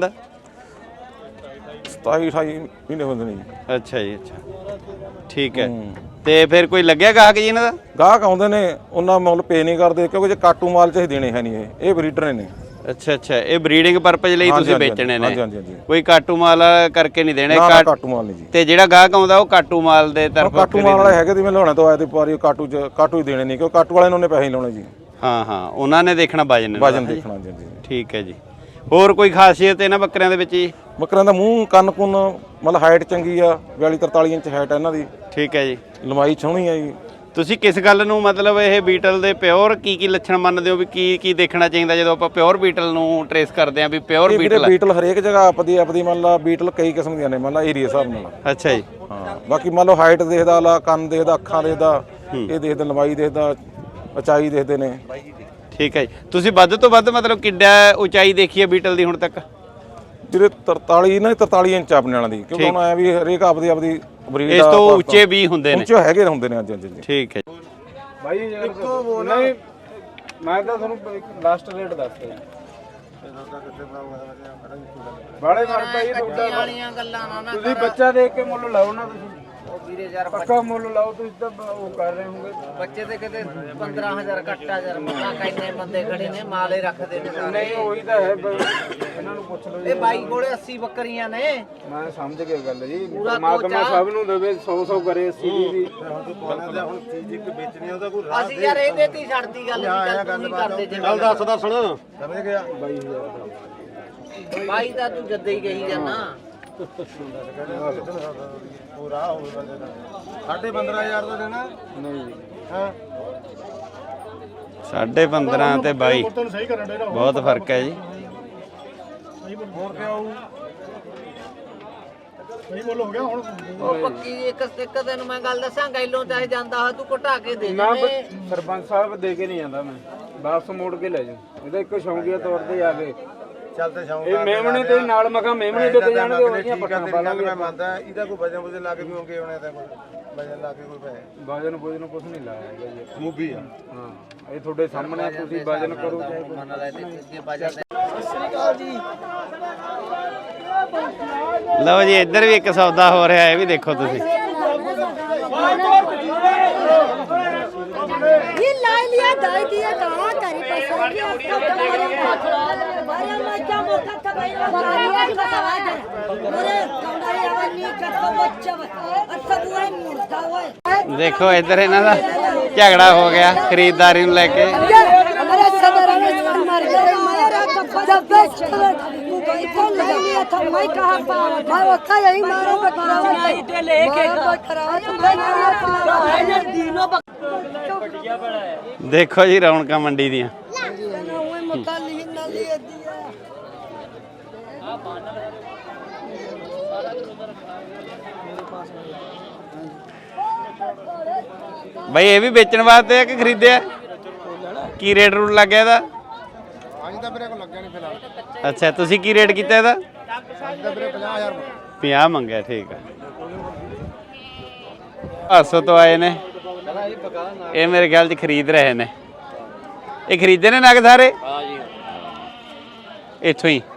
[SPEAKER 8] ਸਤਾਈ ਅਠਾਈ ਮਹੀਨੇ ਹੁੰਦੇ ਨੇ ਜੀ
[SPEAKER 1] ਅੱਛਾ ਜੀ ਅੱਛਾ ਠੀਕ ਹੈ ਤੇ ਫਿਰ ਕੋਈ ਲੱਗਿਆ ਗਾਹਕ ਜੀ ਇਹਨਾਂ ਦਾ
[SPEAKER 8] ਗਾਹਕ ਆਉਂਦੇ ਨੇ ਉਹਨਾਂ ਮੁੱਲ ਪੇ ਨਹੀਂ ਕਰਦੇ ਕਿਉਂਕਿ ਜੇ ਕਾਟੂ ਮਾਲ ਚ ਦੇਣੇ ਹੈ ਨਹੀਂ ਇਹ ਇਹ ਬਰੀਡਰ ਨੇ
[SPEAKER 1] ਅੱਛਾ ਅੱਛਾ ਇਹ ਬਰੀਡਿੰਗ ਪਰਪਸ ਲਈ
[SPEAKER 8] ਹਾਂਜੀ,
[SPEAKER 1] ਤੁਸੀਂ
[SPEAKER 8] ਹਾਂਜੀ,
[SPEAKER 1] ਵੇਚਣੇ
[SPEAKER 8] ਹਾਂਜੀ,
[SPEAKER 1] ਨੇ
[SPEAKER 8] ਹਾਂਜੀ, ਹਾਂਜੀ।
[SPEAKER 1] ਕੋਈ ਕਾਟੂ ਮਾਲ ਕਰਕੇ ਨਹੀਂ ਦੇਣੇ
[SPEAKER 8] ਨਾ ਨਾ
[SPEAKER 1] ਕਾਟ-
[SPEAKER 8] ਕਾਟੂ ਮਾਲ ਨਹੀਂ ਜੀ
[SPEAKER 1] ਤੇ ਜਿਹੜਾ ਗਾਹਕ ਆਉਂਦਾ ਉਹ ਕਾਟੂ ਮਾਲ ਦੇ ਤਰਫੋਂ
[SPEAKER 8] ਕਾਟੂ ਮਾਲ ਵਾਲੇ ਹੈਗੇ ਤੇ ਮੈਂ ਲਾਉਣੇ ਤੋਂ ਆਏ ਤੇ ਪਾਰੀ ਕਾਟੂ ਚ ਕਾਟੂ ਹੀ ਦੇਣੇ ਨਹੀਂ ਕਿਉਂ ਕਾਟੂ ਵਾਲੇ ਨੇ ਉਹਨੇ ਪੈਸੇ ਹੀ ਲਾਉਣੇ ਜੀ
[SPEAKER 1] ਹਾਂ ਹਾਂ ਉਹਨਾਂ ਨੇ ਦੇਖਣਾ ਵਜਨ
[SPEAKER 8] ਵਜਨ ਦੇਖਣਾ ਜੀ ਜੀ
[SPEAKER 1] ਠੀਕ ਹੈ ਜੀ ਹੋਰ ਕੋਈ ਖਾਸੀਅਤ ਇਹਨਾਂ ਬੱਕਰਿਆਂ ਦੇ ਵਿੱਚ ਜੀ
[SPEAKER 8] ਬੱਕਰਿਆਂ ਦਾ ਮੂੰਹ ਕੰਨ ਕੁੰਨ ਮਤਲਬ ਹਾਈਟ ਚੰਗੀ ਆ ਬਿਆਲੀ ਤਰਤਾਲੀ ਇੰਚ ਹਾਈਟ ਆ ਇਹਨਾਂ ਦੀ
[SPEAKER 1] ਠੀਕ ਹੈ ਜੀ
[SPEAKER 8] ਲੰਬਾਈ ਸੋਹਣੀ ਆ ਜੀ
[SPEAKER 1] ਤੁਸੀਂ ਕਿਸ ਗੱਲ ਨੂੰ ਮਤਲਬ ਇਹ ਬੀਟਲ ਦੇ ਪਿਓਰ ਕੀ ਕੀ ਲੱਛਣ ਮੰਨਦੇ ਹੋ ਵੀ ਕੀ ਕੀ ਦੇਖਣਾ ਚਾਹੀਦਾ ਜਦੋਂ ਆਪਾਂ ਪਿਓਰ ਬੀਟਲ ਨੂੰ ਟਰੇਸ ਕਰਦੇ ਆਂ ਵੀ ਪਿਓਰ
[SPEAKER 8] ਇਹ ਵੀਰੇ
[SPEAKER 1] ਬੀਟਲ ਹੈ
[SPEAKER 8] ਬੀਟਲ ਹਰੇਕ ਜਗ੍ਹਾ ਆਪਦੀ ਆਪਦੀ ਮੰਨ ਲਾ ਬੀਟਲ ਕਈ ਕਿਸਮ ਦੀਆਂ ਨੇ ਮੰਨ ਲਾ ਏਰੀਆ ਹਿਸਾਬ ਨਾਲ
[SPEAKER 1] ਅੱਛਾ ਜੀ
[SPEAKER 8] ਹਾਂ ਬਾਕੀ ਮੰਨ ਲਓ ਹਾਈਟ ਦੇਖਦਾ ਲਾ ਕੰਨ ਦੇਖਦਾ ਅੱਖਾਂ ਦੇਖਦਾ ਇਹ ਦੇਖਦਾ ਲੰਬਾਈ ਦੇਖਦਾ ਉਚਾਈ ਦੇਖਦੇ ਨੇ
[SPEAKER 1] ਠੀਕ ਹੈ ਜੀ ਤੁਸੀਂ ਵੱਧ ਤੋਂ ਵੱਧ ਮਤਲਬ ਕਿੱਡਾ ਉਚਾਈ ਦੇਖੀ ਹੈ ਬੀਟਲ ਦੀ ਹੁਣ ਤੱਕ
[SPEAKER 8] ਜਿਹੜੇ ਤਰਤਾਲੀ ਇਹਨਾਂ ਦੀ ਤਰਤਾਲੀ ਇੰਚ ਆਪਣੇ ਵਾਲਿਆਂ ਦੀ ਕਿਉਂਕਿ ਹੁਣ ਆਇਆ ਵੀ ਹਰੇਕ ਆਪਦੀ ਆਪਦੀ ਬਰੀਡ
[SPEAKER 1] ਇਸ ਤੋਂ ਉੱਚੇ ਵੀ ਹੁੰਦੇ ਨੇ
[SPEAKER 8] ਉੱਚੇ ਹੈਗੇ ਹੁੰਦੇ ਨੇ ਅੱਜ ਅੱਜ
[SPEAKER 1] ਠੀਕ ਹੈ ਜੀ
[SPEAKER 4] ਭਾਈ ਨਹੀਂ ਮੈਂ ਤਾਂ ਤੁਹਾਨੂੰ ਲਾਸਟ ਰੇਟ ਦੱਸਦਾ
[SPEAKER 8] ਬਾੜੇ ਮਰਦਾ ਹੀ
[SPEAKER 5] ਕੱਚੀਆਂ ਵਾਲੀਆਂ ਗੱਲਾਂ ਨਾ ਨਾ
[SPEAKER 8] ਤੁਸੀਂ ਬੱਚਾ ਦੇਖ ਕੇ ਮੁੱਲ ਲਾਓ ਨਾ ਤੁਸੀਂ
[SPEAKER 5] ਉਹ ਵੀਰੇ ਯਾਰ
[SPEAKER 8] ਪੱਕਾ ਮੁੱਲ ਲਾਓ ਤੁਸੀਂ ਤਾਂ ਉਹ ਕਰ ਰਹੇ ਹੋਗੇ
[SPEAKER 5] ਬੱਚੇ ਤੇ ਕਿਤੇ ਪੰਦਰਾਂ ਹਜ਼ਾਰ ਘੱਟਾ ਯਾਰ ਮੱਲਾ ਕਿੰਨੇ ਬੰਦੇ ਖੜੇ ਨੇ ਮਾਲੇ ਰੱਖਦੇ ਨੇ ਸਾਰੇ
[SPEAKER 8] ਨਹੀਂ ਉਹੀ ਤਾਂ ਹੈ ਬ- ਇਹਨਾਂ ਨੂੰ ਪੁੱਛ ਲਓ ਜੀ
[SPEAKER 5] ਇਹ ਬਾਈ ਕੋਲੇ ਅੱਸੀ ਬੱਕਰੀਆਂ ਨੇ
[SPEAKER 8] ਮੈਂ ਸਮਝ ਗਿਆ ਗੱਲ ਜੀ
[SPEAKER 5] ਪੂਰਾ
[SPEAKER 8] ਪਰਮਾਤਮਾ
[SPEAKER 5] ਕੋਚਾ।
[SPEAKER 8] ਸਭ ਨੂੰ ਦੇਵੇ ਸੌ ਸੌ ਕਰੇ ਅੱਸੀ ਦੀ ਵੀ
[SPEAKER 7] ਹੁਣ ਚੀਜ਼ ਇੱਕ ਵੇਚਣੀ ਉਹਦਾ ਕੋਈ
[SPEAKER 5] ਅਸੀਂ ਯਾਰ ਇਹਦੇ ਤੇ ਹੀ ਛੱਡਦੀ ਗੱਲ ਵੀ ਚੱਲ ਤੂੰ ਨਹੀਂ ਕਰਦੇ ਜੇ
[SPEAKER 7] ਚੱਲ ਦੱਸ ਦੱਸ ਸੁਣ ਸਮਝ ਗਿਆ
[SPEAKER 8] ਬਾਈ ਹਜ਼ਾਰ ਦਾ
[SPEAKER 5] ਬਾਈ ਦਾ ਤੂੰ ਜੱਦੇ ਹੀ ਕਹੀ ਜਾਨਾ
[SPEAKER 7] ਪੂਰਾ ਹੋਊਗਾ ਸਾਢੇ ਪੰਦਰਾਂ ਹਜ਼ਾਰ ਦਾ ਦੇਣਾ
[SPEAKER 8] ਨਹੀਂ ਜੀ
[SPEAKER 7] ਹਾਂ
[SPEAKER 1] ਸਾਢੇ ਪੰਦਰਾਂ ਤੇ ਬਾਈ
[SPEAKER 7] ਤੁਹਾਨੂੰ ਸਹੀ ਕਰਨ ਦੇ
[SPEAKER 1] ਬਹੁਤ ਫਰਕ ਹੈ ਜੀ।
[SPEAKER 7] ਹੋਰ ਕਿਆ ਹੋਊ ਸਹੀ ਮੁੱਲ ਹੋ ਗਿਆ ਹੁਣ
[SPEAKER 5] ਉਹ ਪੱਕੀ ਇੱਕ ਇੱਕ ਤੈਨੂੰ ਮੈਂ ਗੱਲ ਦੱਸਾਂ ਗੈਲੋਂ ਚਾਹੇ ਜਾਂਦਾ ਹੋਇਆ ਤੂੰ ਘਟਾ ਕੇ ਦੇ
[SPEAKER 8] ਨਾ
[SPEAKER 5] ਦੇ
[SPEAKER 8] ਸਰਪੰਚ ਸਾਹਿਬ ਦੇ ਕੇ ਨਹੀਂ ਜਾਂਦਾ ਮੈਂ ਵਾਪਸ ਮੋੜ ਕੇ ਲੈ ਜਾ ਇਹਦਾ ਇੱਕ ਸ਼ੌਂਕੀਆ ਤੌਰ ਤੇ ਆ ਗਏ
[SPEAKER 7] ਚੱਲਦੇ ਸ਼ੌਂਕ
[SPEAKER 8] ਇਹ ਮੇਮਣੇ ਤੇ ਨਾਲ ਮਖਾ ਮੇਮਣੇ ਵਿਕ ਜਾਣਗੇ ਉਹਦੀਆਂ ਪੱਟਾਂ ਪਾ ਲਾਂਗੇ
[SPEAKER 7] ਮੈਂ ਮੰਨਦਾ ਇਹਦਾ ਕੋਈ ਵਜਨ ਵਜਨ ਲਾ ਕੇ ਕਿਉਂਕਿ ਹੋਣੇ ਤਾਂ ਕੋਈ ਵਜਨ ਲਾ ਕੇ ਕੋਈ ਪੈਸੇ
[SPEAKER 8] ਵਜਨ ਵਜਨ ਕੁਝ ਨਹੀਂ ਲਾਇਆ ਹੈਗਾ ਜੀ
[SPEAKER 7] ਮੂਵੀ ਆ
[SPEAKER 8] ਹਾਂ ਇਹ ਤੁਹਾਡੇ ਸਾਹਮਣੇ ਤੁਸੀਂ ਵਜਨ ਕਰੋ ਚਾਹੇ ਕੁਛ।
[SPEAKER 5] ਮੰਨ ਲੈ ਤੇ ਅੱਗੇ ਬਾਜਾ ਤੇ
[SPEAKER 1] ਲਓ ਜੀ ਇੱਧਰ ਵੀ ਇੱਕ ਸੌਦਾ ਹੋ ਰਿਹਾ ਇਹ ਵੀ ਦੇਖੋ ਤੁਸੀਂ।
[SPEAKER 9] ये ला लिया दाई दिया कहाँ करी पैसा की आपका तुम्हारे मारे मजा मौका था भाई बारिया की बतावा दे मोरे कौंडारी आवाज नहीं करता बच्चा अच्छा बुआ मुर्दा हुआ
[SPEAKER 1] ਦੇਖੋ ਇੱਧਰ ਇਹਨਾਂ ਦਾ ਝਗੜਾ ਹੋ ਗਿਆ ਖਰੀਦਦਾਰੀ ਨੂੰ ਲੈ ਕੇ।
[SPEAKER 9] हमारे सदर में छोड़ मार गए मेरा कपड़ा जब बेच तू भाई कौन ले लिया था मैं कहां पाऊं मैं वक्का यही मारो बकरावा दे लेके बकरावा तुम है दिनों
[SPEAKER 1] ਦੇਖੋ ਜੀ ਰੌਣਕਾਂ ਮੰਡੀ ਦੀਆਂ।
[SPEAKER 9] मक्का ली ना लिए दिया
[SPEAKER 1] ਬਈ ਇਹ ਵੀ ਵੇਚਣ ਵਾਸਤੇ ਆ ਕਿ ਖਰੀਦਿਆ? ਕੀ ਰੇਟ ਰੂਟ ਲੱਗਿਆ ਇਹਦਾ?
[SPEAKER 7] ਅੱਜ ਤਾਂ ਮੇਰੇ ਕੋਲ ਲੱਗਿਆ ਨਹੀਂ ਫਿਲਹਾਲ
[SPEAKER 1] ਅੱਛਾ ਤੁਸੀਂ ਕੀ ਰੇਟ ਕੀਤਾ ਇਹਦਾ?
[SPEAKER 7] ਅੱਜ ਤਾਂ ਵੀਰੇ ਪੰਜਾਹ ਹਜ਼ਾਰ
[SPEAKER 1] ਪੰਜਾਹ ਮੰਗਿਆ ਠੀਕ ਆ। ਹਾਸੋ ਤੋਂ ਆਏ ਨੇ ਇਹ ਮੇਰੇ ਖਿਆਲ 'ਚ ਖਰੀਦ ਰਹੇ ਨੇ। ਇਹ ਖਰੀਦੇ ਨੇ ਨਗ ਸਾਰੇ? ਹਾਂ ਜੀ ਇੱਥੋਂ ਹੀ।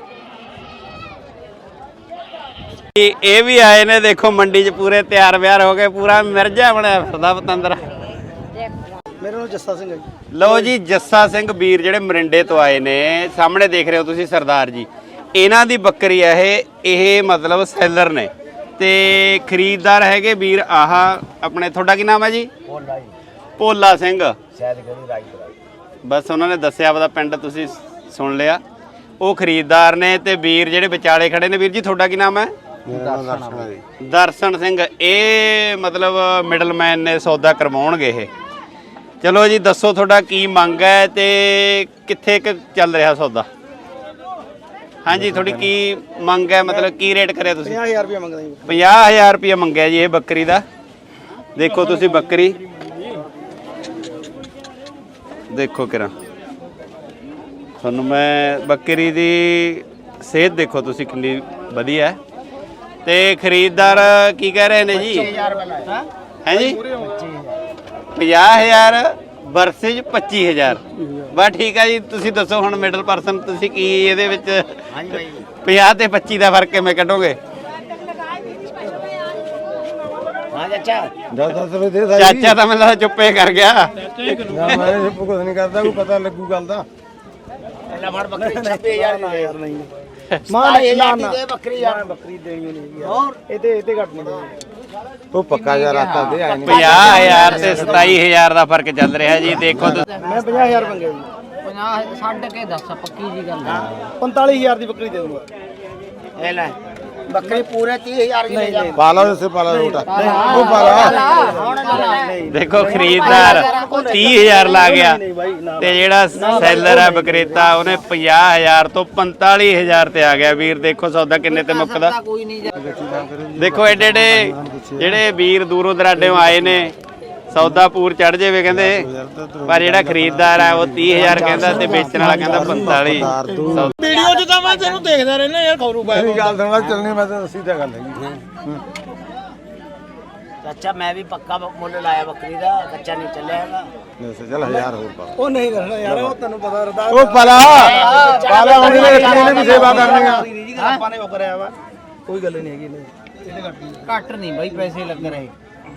[SPEAKER 1] ਇਹ ਇਹ ਵੀ ਆਏ ਨੇ ਦੇਖੋ ਮੰਡੀ 'ਚ ਪੂਰੇ ਤਿਆਰ ਵਿਆਰ ਹੋ ਗਏ ਪੂਰਾ ਮਿਰਜਾ ਬਣਿਆ ਫਿਰਦਾ ਪਤੰਦਰ।
[SPEAKER 7] ਮੇਰੇ ਨਾਲ ਜੱਸਾ ਸਿੰਘ ਹੈ ਜੀ
[SPEAKER 1] ਲਓ ਜੀ ਜੱਸਾ ਸਿੰਘ ਵੀਰ ਜਿਹੜੇ ਮਰਿੰਡੇ ਤੋਂ ਆਏ ਨੇ ਸਾਹਮਣੇ ਦੇਖ ਰਹੇ ਹੋ ਤੁਸੀਂ ਸਰਦਾਰ ਜੀ ਇਹਨਾਂ ਦੀ ਬੱਕਰੀ ਆ ਇਹ ਇਹ ਮਤਲਬ ਸੈਲਰ ਨੇ ਤੇ ਖਰੀਦਦਾਰ ਹੈਗੇ ਵੀਰ ਆਹ ਆਪਣੇ ਤੁਹਾਡਾ ਕੀ ਨਾਮ ਹੈ ਜੀ?
[SPEAKER 7] ਭੋਲਾ ਜੀ
[SPEAKER 1] ਭੋਲਾ ਸਿੰਘ।
[SPEAKER 7] ਸ਼ਾਇਦ ਗੜੀ ਰਾਈ
[SPEAKER 1] ਬਸ ਉਹਨਾਂ ਨੇ ਦੱਸਿਆ ਆਪਦਾ ਪਿੰਡ ਤੁਸੀਂ ਸੁਣ ਲਿਆ। ਉਹ ਖਰੀਦਦਾਰ ਨੇ ਤੇ ਵੀਰ ਜਿਹੜੇ ਵਿਚਾਲੇ ਖੜੇ ਨੇ। ਵੀਰ ਜੀ ਤੁਹਾਡਾ ਕੀ ਨਾਮ ਹੈ?
[SPEAKER 7] ਮੇਰਾ ਨਾਮ ਦਰਸ਼ਨ ਹੈ ਜੀ
[SPEAKER 1] ਦਰਸ਼ਨ ਸਿੰਘ। ਇਹ ਮਤਲਬ ਮਿਡਲਮੈਨ ਨੇ ਸੌਦਾ ਕਰਵਾਉਣਗੇ ਇਹ। ਚਲੋ ਜੀ ਦੱਸੋ ਤੁਹਾਡਾ ਕੀ ਮੰਗ ਹੈ ਤੇ ਕਿੱਥੇ ਕੁ ਚੱਲ ਰਿਹਾ ਸੌਦਾ? ਹਾਂਜੀ ਤੁਹਾਡੀ ਕੀ ਮੰਗ ਹੈ ਮਤਲਬ ਕੀ ਰੇਟ ਕਰਿਆ ਤੁਸੀਂ?
[SPEAKER 7] ਪੰਜਾਹ ਹਜ਼ਾਰ ਰੁਪਏ ਮੰਗਦਾ ਜੀ
[SPEAKER 1] ਪੰਜਾਹ ਹਜ਼ਾਰ ਰੁਪਏ ਮੰਗਿਆ ਜੀ ਇਹ ਬੱਕਰੀ ਦਾ। ਦੇਖੋ ਤੁਸੀਂ ਬੱਕਰੀ ਦੇਖੋ ਕਿਰਾ ਤੁਹਾਨੂੰ ਮੈਂ ਬੱਕਰੀ ਦੀ ਸਿਹਤ ਦੇਖੋ ਤੁਸੀਂ ਕਿੰਨੀ ਵਧੀਆ ਹੈ। ਤੇ ਖਰੀਦਦਾਰ ਕੀ ਕਹਿ ਰਹੇ ਨੇ ਜੀ? ਹੈ ਜੀ ਪੰਜਾਹ ਹਜ਼ਾਰ ਵਰਸੇਜ ਪੱਚੀ ਹਜ਼ਾਰ। ਬਸ ਠੀਕ ਹੈ ਜੀ ਤੁਸੀਂ ਦੱਸੋ ਹੁਣ ਮਿਡਲ ਪਰਸਨ ਤੁਸੀਂ ਕੀ ਇਹਦੇ ਵਿੱਚ ਪੰਜਾਹ ਤੇ ਪੱਚੀ ਦਾ ਫਰਕ ਕਿਵੇਂ ਕੱਢੋਗੇ?
[SPEAKER 7] ਹਾਂ ਚਾਚਾ ਦਸ ਦਸ ਰੁਪਏ ਦੇ ਸਾਈ
[SPEAKER 1] ਚਾਚਾ ਤਾਂ ਮੈਨੂੰ ਲੱਗਦਾ ਚੁੱਪੇ ਕਰ ਗਿਆ।
[SPEAKER 7] ਨਾ ਮੈਂ ਕੁਝ ਨਹੀਂ ਕਰਦਾ ਕੋਈ ਪਤਾ ਲੱਗੂ ਗੱਲ ਦਾ
[SPEAKER 5] ਲੈ ਫੜ ਬੱਕਰੀ ਛੱਬੀ ਹਜ਼ਾਰ
[SPEAKER 7] ਨਾ ਯਾਰ ਨਹੀਂ
[SPEAKER 5] ਮਾਂ ਨਾ ਨਾ ਬੱਕਰੀ ਯਾਰ
[SPEAKER 7] ਬੱਕਰੀ ਦੇਣੀ ਨਹੀਂ
[SPEAKER 5] ਹੋਰ
[SPEAKER 7] ਇਹ ਤੇ ਇਹ ਤੇ ਘੱਟ ਨਹੀਂ ਦੇਣੀ ਉਹ ਪੱਕਾ ਯਾਰ ਆਤਾ ਦੇ ਆਈ ਨਹੀਂ
[SPEAKER 1] ਪੰਜਾਹ ਹਜ਼ਾਰ ਤੇ ਸਤਾਈ ਹਜ਼ਾਰ ਦਾ ਫਰਕ ਚੱਲ ਰਿਹਾ ਜੀ ਦੇਖੋ ਤੁਸੀਂ।
[SPEAKER 7] ਮੈਂ ਪੰਜਾਹ ਹਜ਼ਾਰ ਮੰਗਿਆ ਜੀ
[SPEAKER 5] ਪੰਜਾਹ ਛੱਡ ਕੇ ਦੱਸ ਪੱਕੀ ਜੀ ਗੱਲ
[SPEAKER 7] ਪੰਤਾਲੀ ਹਜ਼ਾਰ ਦੀ ਬੱਕਰੀ ਦੇ ਦੂੰਗਾ
[SPEAKER 5] ਇਹ ਲੈ ਬੱਕਰੀ ਪੂਰੇ ਤੀਹ ਹਜ਼ਾਰ ਦੀ ਲੈ ਜਾ
[SPEAKER 7] ਪਾਲਾ ਉਸੇ ਪਾਲਾ ਰੋਟਾ ਉਹ ਪਾਲਾ
[SPEAKER 5] ਹੁਣ ਲੈ
[SPEAKER 1] ਦੇਖੋ ਖਰੀਦਦਾਰ ਤੀਹ ਹਜ਼ਾਰ ਲਾ ਗਿਆ ਤੇ ਜਿਹੜਾ ਸੈਲਰ ਹੈ ਵਿਕਰੇਤਾ ਉਹਨੇ ਪੰਜਾਹ ਹਜ਼ਾਰ ਤੋਂ ਪੰਤਾਲੀ ਹਜ਼ਾਰ ਤੇ ਆ ਗਿਆ। ਵੀਰ ਦੇਖੋ ਸੌਦਾ ਕਿੰਨੇ ਤੇ ਮੁੱਕਦਾ।
[SPEAKER 5] ਕੋਈ ਨਹੀਂ ਜਾ
[SPEAKER 1] ਦੇਖੋ ਐਡੇ ਐਡੇ ਜਿਹੜੇ ਵੀਰ ਦੂਰੋਂ ਦਰਾਡਿਓਂ ਆਏ ਨੇ ਸੌਦਾ ਪੂਰ ਚੜ ਜਾਵੇ ਕਹਿੰਦੇ ਪਰ ਜਿਹੜਾ ਖਰੀਦਦਾਰ ਹੈ ਉਹ ਤੀਹ ਹਜ਼ਾਰ ਕਹਿੰਦਾ ਤੇ ਵੇਚਣ ਵਾਲਾ ਕਹਿੰਦਾ ਪੰਤਾਲੀ।
[SPEAKER 3] ਵੀਡੀਓ 'ਚ ਤਾਂ ਮੈਂ ਤੈਨੂੰ ਦੇਖਦਾ ਰਹਿਣਾ ਯਾਰ ਖੌਰੂ ਬਾਈ
[SPEAKER 7] ਮੇਰੀ ਗੱਲ ਸੁਣ ਲੈ ਚੱਲਣੀ ਮੈਂ ਤਾਂ ਸਿੱਧਾ ਗੱਲ ਹੈ
[SPEAKER 5] ਚਾਚਾ ਮੈਂ ਵੀ ਪੱਕਾ ਮੁੱਲ ਲਾਇਆ ਬੱਕਰੀ ਦਾ ਕੱਚਾ ਨਹੀਂ ਚੱਲਿਆ ਹੈਗਾ।
[SPEAKER 8] ਚੱਲ ਹਜ਼ਾਰ ਹੋਰ ਪਾ
[SPEAKER 3] ਉਹ ਨਹੀਂ ਕਰਨਾ ਯਾਰ ਉਹ ਤੈਨੂੰ ਪਤਾ ਰਦਾ
[SPEAKER 8] ਉਹ ਪਲਾ ਪਾਲਾ ਉਹਨੇ ਨੇ ਇਹਨੇ ਵੀ ਸੇਵਾ ਕਰਨੀ ਆ
[SPEAKER 3] ਆਪਾਂ ਨੇ ਉਹ ਕਰਿਆ ਵਾ ਕੋਈ ਗੱਲ ਨਹੀਂ ਹੈਗੀ ਇਹਨੇ ਇਹਦੇ ਘੱਟ ਨਹੀਂ
[SPEAKER 5] ਘੱਟ ਨਹੀਂ ਬਾਈ ਪੈਸੇ ਲੱਗ ਰਹੇ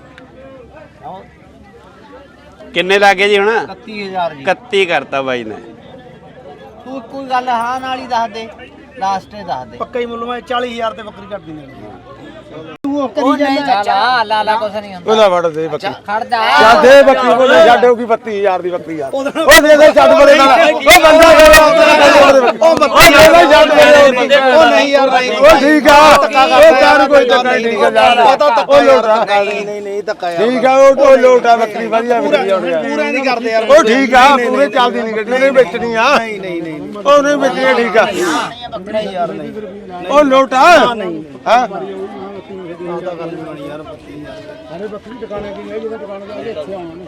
[SPEAKER 1] ਕਿੰਨੇ ਲੱਗੇ ਜੀ ਹੁਣ
[SPEAKER 5] ਇਕੱਤੀ ਹਜ਼ਾਰ ਜੀ
[SPEAKER 1] ਇਕੱਤੀ ਕਰਤਾ ਬਾਈ ਨੇ।
[SPEAKER 5] ਤੂੰ ਕੋਈ ਗੱਲ ਹਾਂ ਨਾਲ ਹੀ ਦੱਸ ਦੇ ਲਾਸਟ ਤੇ ਦੱਸ ਦੇ
[SPEAKER 3] ਪੱਕਾ ਹੀ ਮੁੱਲ ਮੈਂ ਚਾਲੀ ਹਜ਼ਾਰ ਤੇ ਬੱਕਰੀ ਕੱਟ ਦਿੰਦੇ
[SPEAKER 5] ਉਹ ਨਹੀਂ ਚਾਚਾ ਲਾ ਲਾ ਕੁਛ ਨਹੀਂ ਹੁੰਦਾ
[SPEAKER 8] ਉਹਦਾ ਵੜ ਦੇ ਬੱਕਰੀ
[SPEAKER 5] ਖੜ ਜਾ
[SPEAKER 8] ਚੱਲ ਦੇ ਬੱਕਰੀ ਬੋਲੇ ਛੱਡ ਹੋਗੀ ਬੱਤੀ ਹਜ਼ਾਰ ਦੀ ਬੱਕਰੀ ਯਾਰ ਉਹ ਦੇ ਦੇ ਛੱਡ ਬੋਲੇ ਨਾਲ ਉਹ ਬੰਦਾ ਉਹ ਬੱਤੀ ਦੇ ਛੱਡ ਬੋਲੇ
[SPEAKER 3] ਉਹ ਨਹੀਂ ਯਾਰ ਨਹੀਂ
[SPEAKER 8] ਉਹ ਠੀਕ ਆ ਉਹ ਕਾਰ ਕੋਈ ਧੱਕਾ ਨਹੀਂ ਉਹ ਲੋਟਾ
[SPEAKER 3] ਨਹੀਂ ਨਹੀਂ ਨਹੀਂ ਧੱਕਾ ਯਾਰ
[SPEAKER 8] ਠੀਕ ਆ ਉਹ ਲੋਟਾ ਬੱਕਰੀ ਵਧੀਆ ਵਿਕਦੀ ਹੋਣੀ ਆ
[SPEAKER 3] ਪੂਰਾ ਨਹੀਂ ਕਰਦੇ ਯਾਰ
[SPEAKER 8] ਉਹ ਠੀਕ ਆ ਪੂਰੇ ਚੱਲਦੀ ਨਹੀਂ ਗੱਡੀ ਨਹੀਂ ਵੇਚਣੀ ਆ
[SPEAKER 3] ਨਹੀਂ ਨਹੀਂ ਨਹੀਂ
[SPEAKER 8] ਉਹ ਨਹੀਂ ਵੇਚਣੀ ਠੀਕ ਆ
[SPEAKER 3] ਨਹੀਂ ਯਾਰ ਨਹੀਂ
[SPEAKER 8] ਉਹ ਲੋਟਾ ਹਾਂ
[SPEAKER 3] ਉਹਦਾ ਗੱਲ ਨਹੀਂ ਬਣੀ ਯਾਰ ਬੱਤੀ ਹਜ਼ਾਰ ਅਰੇ ਬੱਕਰੀ ਟਿਕਾਣੇ ਕੀ ਹੈ ਜਿਹਦਾ ਟਿਕਾਣੇ ਦਾ ਇੱਥੇ ਆਉਣਾ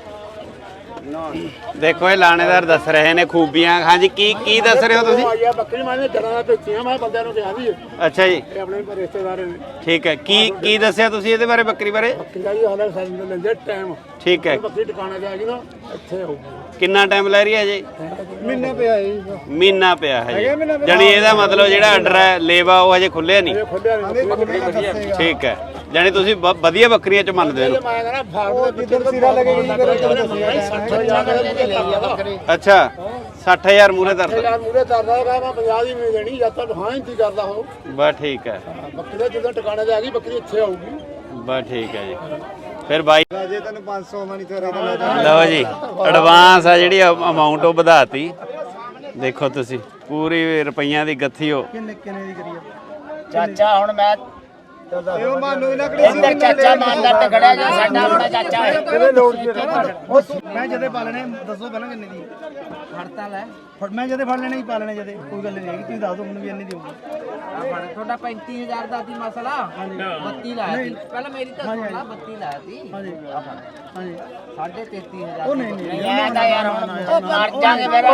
[SPEAKER 1] ਦੇਖੋ ਇਹ ਲਾਣੇਦਾਰ ਦੱਸ ਰਹੇ ਨੇ ਖੂਬੀਆਂ। ਹਾਂਜੀ ਕੀ ਕੀ ਦੱਸ ਰਹੇ ਹੋ ਤੁਸੀਂ?
[SPEAKER 3] ਬੱਕਰੀ ਮਾਨੇ ਜਰਾਂ ਦਾ ਵੇਚੀਆਂ ਮੈਂ ਬੰਦਿਆਂ ਨੂੰ ਕਿਹਾ ਵੀ
[SPEAKER 1] ਅੱਛਾ ਜੀ
[SPEAKER 3] ਇਹ ਆਪਣੇ ਰਿਸ਼ਤੇਦਾਰ ਨੇ
[SPEAKER 1] ਠੀਕ ਹੈ। ਕੀ ਕੀ ਦੱਸਿਆ ਤੁਸੀਂ ਇਹਦੇ ਬਾਰੇ ਬੱਕਰੀ ਬਾਰੇ?
[SPEAKER 3] ਬੱਕਰੀ ਦਾ ਵੀ ਹਾਲੇ ਸਾਨੂੰ ਲੈਂਦੇ ਟਾਈਮ
[SPEAKER 1] ਠੀਕ ਹੈ।
[SPEAKER 3] ਬੱਕਰੀ ਟਿਕਾਣੇ ਤੇ ਆ ਗਈ ਨਾ ਇੱਥੇ ਹੋਊਗੀ
[SPEAKER 1] ਕਿੰਨਾ ਟਾਈਮ ਲੈ ਰਹੀ ਹੈ ਜੀ?
[SPEAKER 3] ਮਹੀਨੇ ਪਿਆ ਜੀ
[SPEAKER 1] ਮਹੀਨਾ ਪਿਆ ਹੈ ਜੀ। ਜਾਣੀ ਇਹਦਾ ਮਤਲਬ ਜਿਹੜਾ ਆਰਡਰ ਹੈ ਲੇਵਾ ਉਹ ਹਜੇ ਖੁੱਲਿਆ ਨਹੀਂ।
[SPEAKER 3] ਖੋਲਿਆ ਨਹੀਂ
[SPEAKER 1] ਠੀਕ ਹੈ। ਜਾਣੀ ਤੁਸੀਂ ਬ- ਵਧੀਆ ਬੱਕਰੀਆਂ ਚ ਮੰਨਦੇ ਹੋ।
[SPEAKER 3] ਮੈਂ ਕਹਿੰਦਾ ਫਾਰਮ ਦੇ ਜਿੱਦਣ ਸਿਰਾ ਲੱਗੇਗੀ ਸੱਠ ਹਜ਼ਾਰ
[SPEAKER 1] ਅੱਛਾ ਸੱਠ ਹਜ਼ਾਰ ਮੂਰੇ ਧਰਦਾ।
[SPEAKER 3] ਯਾਰ ਮੂਰੇ ਤਰਦਾ ਰਹਾ ਮੈਂ ਪੰਜਾਹ ਦੀ ਨਹੀਂ ਦੇਣੀ ਜਦ ਤੱਕ ਹਾਂ ਇੰਤੀ ਕਰਦਾ ਹੋ
[SPEAKER 1] ਬਸ ਠੀਕ ਹੈ।
[SPEAKER 3] ਬੱਕਰੀ ਦਾ ਜਦੋਂ ਟਿਕਾਣੇ ਤੇ ਆ ਗਈ ਬੱਕਰੀ ਇੱਥੇ ਆਊਗੀ
[SPEAKER 1] ਬਸ ਠੀਕ ਹੈ ਜੀ। ਫਿਰ ਬਾਈ
[SPEAKER 7] ਜੇ ਤੈਨੂੰ ਪੰਜ ਸੌ ਮਣੀ ਤੇਰੇ
[SPEAKER 1] ਲਓ ਜੀ ਐਡਵਾਂਸ ਆ ਜਿਹੜੀ ਅਮਾਉਂਟ ਉਹ ਵਧਾਤੀ। ਦੇਖੋ ਤੁਸੀਂ ਪੂਰੀ ਰੁਪਈਆਂ ਦੀ ਗੱਥੀ ਹੋ।
[SPEAKER 3] ਕਿੰਨੇ ਕਿੰਨੇ ਦੀ ਕਰੀਏ
[SPEAKER 5] ਚਾਚਾ ਹੁਣ ਮੈਂ
[SPEAKER 7] ਇਹ ਮਾਨੂ ਇਹਨਾਂ ਕਿਹੜੀ
[SPEAKER 5] ਇੱਧਰ ਚਾਚਾ ਮਾਨਦਾਰ ਤੇ ਖੜਿਆ ਜੋ ਸਾਡਾ ਆਪਣਾ ਚਾਚਾ ਹੈ
[SPEAKER 3] ਕਿਹਦੇ ਲੋੜ ਮੈਂ ਜਦੇ ਪਾ ਲੈਣੇ ਦੱਸੋ ਪਹਿਲਾਂ ਕਿੰਨੇ ਦੀ
[SPEAKER 5] ਹੜਤਾਲ ਹੈ
[SPEAKER 3] ਫੜ ਮੈਂ ਜਦੇ ਫੜ ਲੈਣੇ ਹੀ ਪਾ ਲੈਣੇ ਜਦੇ ਕੋਈ ਗੱਲ ਨਹੀਂ ਹੈਗੀ ਤੁਸੀਂ ਦੱਸ ਦਿਓ ਮੈਨੂੰ ਵੀ ਇੰਨੇ ਦੀ ਹੋਊਗੀ
[SPEAKER 5] ਤੁਹਾਡਾ ਪੈਂਤੀ ਹਜ਼ਾਰ ਦਾ ਸੀ ਮਸਲਾ ਬੱਤੀ ਲਾਇਆ ਸੀ ਪਹਿਲਾਂ ਮੇਰੀ ਤਾਂ ਸੁਣ ਲਾ ਬੱਤੀ ਲਾਇਆ ਸੀ
[SPEAKER 3] ਹਾਂਜੀ ਹਾਂਜੀ
[SPEAKER 5] ਸਾਢੇ ਤੇਤੀ ਹਜ਼ਾਰ
[SPEAKER 3] ਉਹ ਨਹੀਂ ਨਹੀਂ
[SPEAKER 5] ਮੈਂ ਤਾਂ ਯਾਰ ਹੁਣ ਮਰ ਜਾਗੇ ਮੇਰਾ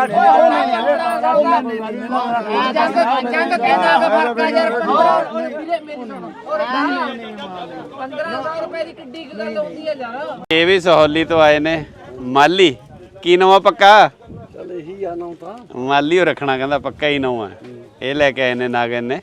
[SPEAKER 5] ਜੰਗ ਕਹਿੰਦਾ ਕਿ ਫਰਕ ਹੈ ਯਾਰ ਮੇਰੀ ਸੁਣੋ ਪੰਦਰਾਂ ਸੌ ਰੁਪਏ ਦੀ ਕਿੱਡੀ ਕੁ ਗੱਲ ਆਉਂਦੀ ਹੈ ਯਾਰ।
[SPEAKER 1] ਇਹ ਵੀ ਸਹੌਲੀ ਤੋਂ ਆਏ ਨੇ ਮਾਲੀ। ਕੀ ਨਵਾਂ ਪੱਕਾ?
[SPEAKER 3] ਚੱਲ ਇਹੀ ਆ ਨਾ ਤਾਂ
[SPEAKER 1] ਮਾਲੀ ਉਹ ਰੱਖਣਾ ਕਹਿੰਦਾ ਪੱਕਾ ਹੀ ਨਵਾਂ। ਇਹ ਲੈ ਕੇ ਆਏ ਨੇ ਨਾਗਨ ਨੇ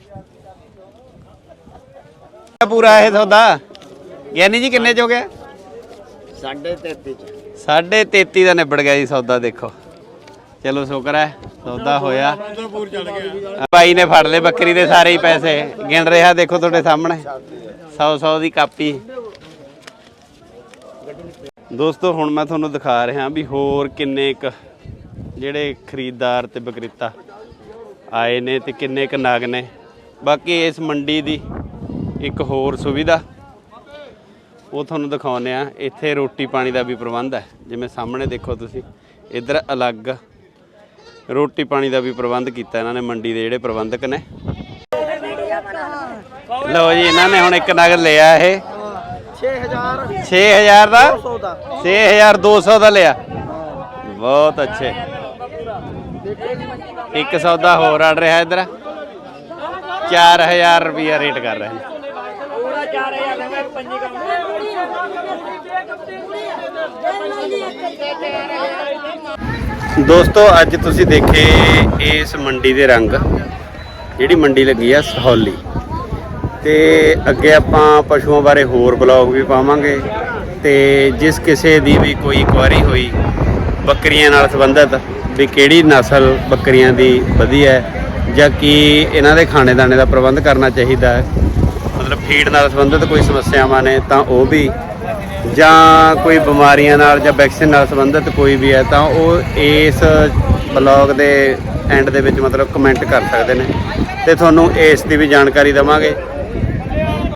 [SPEAKER 1] ਪੂਰਾ ਇਹ ਸੌਦਾ। ਗਿਆਨੀ ਜੀ ਕਿੰਨੇ ਚ ਹੋ ਗਿਆ?
[SPEAKER 5] ਸਾਢੇ ਤੇਤੀ ਚ
[SPEAKER 1] ਸਾਢੇ ਤੇਤੀ ਦਾ ਨਿਬੜ ਗਿਆ ਜੀ ਸੌਦਾ। ਦੇਖੋ ਚਲੋ ਸ਼ੁਕਰ ਹੈ ਸੌਦਾ ਹੋਇਆ। ਭਾਈ ਨੇ ਫੜ ਲਏ ਬੱਕਰੀ ਦੇ ਸਾਰੇ ਹੀ ਪੈਸੇ। ਗਿਣ ਰਿਹਾ ਦੇਖੋ ਤੁਹਾਡੇ ਸਾਹਮਣੇ ਸੌ ਸੌ ਦੀ ਕਾਪੀ। ਦੋਸਤੋ ਹੁਣ ਮੈਂ ਤੁਹਾਨੂੰ ਦਿਖਾ ਰਿਹਾ ਵੀ ਹੋਰ ਕਿੰਨੇ ਕੁ ਜਿਹੜੇ ਖਰੀਦਦਾਰ ਤੇ ਵਿਕਰੇਤਾ ਆਏ ਨੇ ਤੇ ਕਿੰਨੇ ਕੁ ਨਾਗ ਨੇ। ਬਾਕੀ ਇਸ ਮੰਡੀ ਦੀ ਇੱਕ ਹੋਰ ਸੁਵਿਧਾ ਉਹ ਤੁਹਾਨੂੰ ਦਿਖਾਉਂਦੇ ਆ। ਇੱਥੇ ਰੋਟੀ ਪਾਣੀ ਦਾ ਵੀ ਪ੍ਰਬੰਧ ਹੈ। ਜਿਵੇਂ ਸਾਹਮਣੇ ਦੇਖੋ ਤੁਸੀਂ ਇੱਧਰ ਅਲੱਗ ਰੋਟੀ ਪਾਣੀ ਦਾ ਵੀ ਪ੍ਰਬੰਧ ਕੀਤਾ ਇਹਨਾਂ ਨੇ ਮੰਡੀ ਦੇ ਜਿਹੜੇ ਪ੍ਰਬੰਧਕ ਨੇ। ਲਓ ਜੀ ਇਹਨਾਂ ਨੇ ਹੁਣ ਇੱਕ ਨਗ ਲਿਆ ਇਹ ਛੇ ਹਜ਼ਾਰ ਦਾ ਛੇ ਹਜ਼ਾਰ ਦੋ ਸੌ ਦਾ ਲਿਆ। ਬਹੁਤ ਅੱਛੇ। ਇੱਕ ਸੌਦਾ ਹੋਰ ਅੜ ਰਿਹਾ ਇੱਧਰ ਚਾਰ ਹਜ਼ਾਰ ਰੁਪਇਆ ਰੇਟ ਕਰ ਰਹੇ ਨੇ। ਦੋਸਤੋ ਅੱਜ ਤੁਸੀਂ ਦੇਖੇ ਇਸ ਮੰਡੀ ਦੇ ਰੰਗ। ਜਿਹੜੀ ਮੰਡੀ ਲੱਗੀ ਆ ਸਹੌਲੀ ਤੇ ਅੱਗੇ ਆਪਾਂ ਪਸ਼ੂਆਂ ਬਾਰੇ ਹੋਰ ਬਲੌਗ ਵੀ ਪਾਵਾਂਗੇ। ਤੇ ਜਿਸ ਕਿਸੇ ਦੀ ਵੀ ਕੋਈ ਇਨਕੁਆਇਰੀ ਹੋਈ ਬੱਕਰੀਆਂ ਨਾਲ ਸੰਬੰਧਿਤ ਵੀ ਕਿਹੜੀ ਨਸਲ ਬੱਕਰੀਆਂ ਦੀ ਵਧੀਆ ਹੈ ਜਾਂ ਕੀ ਇਹਨਾਂ ਦੇ ਖਾਣੇ ਦਾਣੇ ਦਾ ਪ੍ਰਬੰਧ ਕਰਨਾ ਚਾਹੀਦਾ ਹੈ, ਮਤਲਬ ਫੀਡ ਨਾਲ ਸੰਬੰਧਿਤ ਕੋਈ ਸਮੱਸਿਆਵਾਂ ਨੇ ਤਾਂ ਉਹ ਵੀ, ਜਾਂ ਕੋਈ ਬਿਮਾਰੀਆਂ ਨਾਲ ਜਾਂ ਵੈਕਸੀਨ ਨਾਲ ਸੰਬੰਧਿਤ ਕੋਈ ਵੀ ਹੈ ਤਾਂ ਉਹ ਇਸ ਬਲੌਗ ਦੇ ਐਂਡ ਦੇ ਵਿੱਚ ਮਤਲਬ ਕਮੈਂਟ ਕਰ ਸਕਦੇ ਨੇ ਤੇ ਤੁਹਾਨੂੰ ਇਸ ਦੀ ਵੀ ਜਾਣਕਾਰੀ ਦੇਵਾਂਗੇ।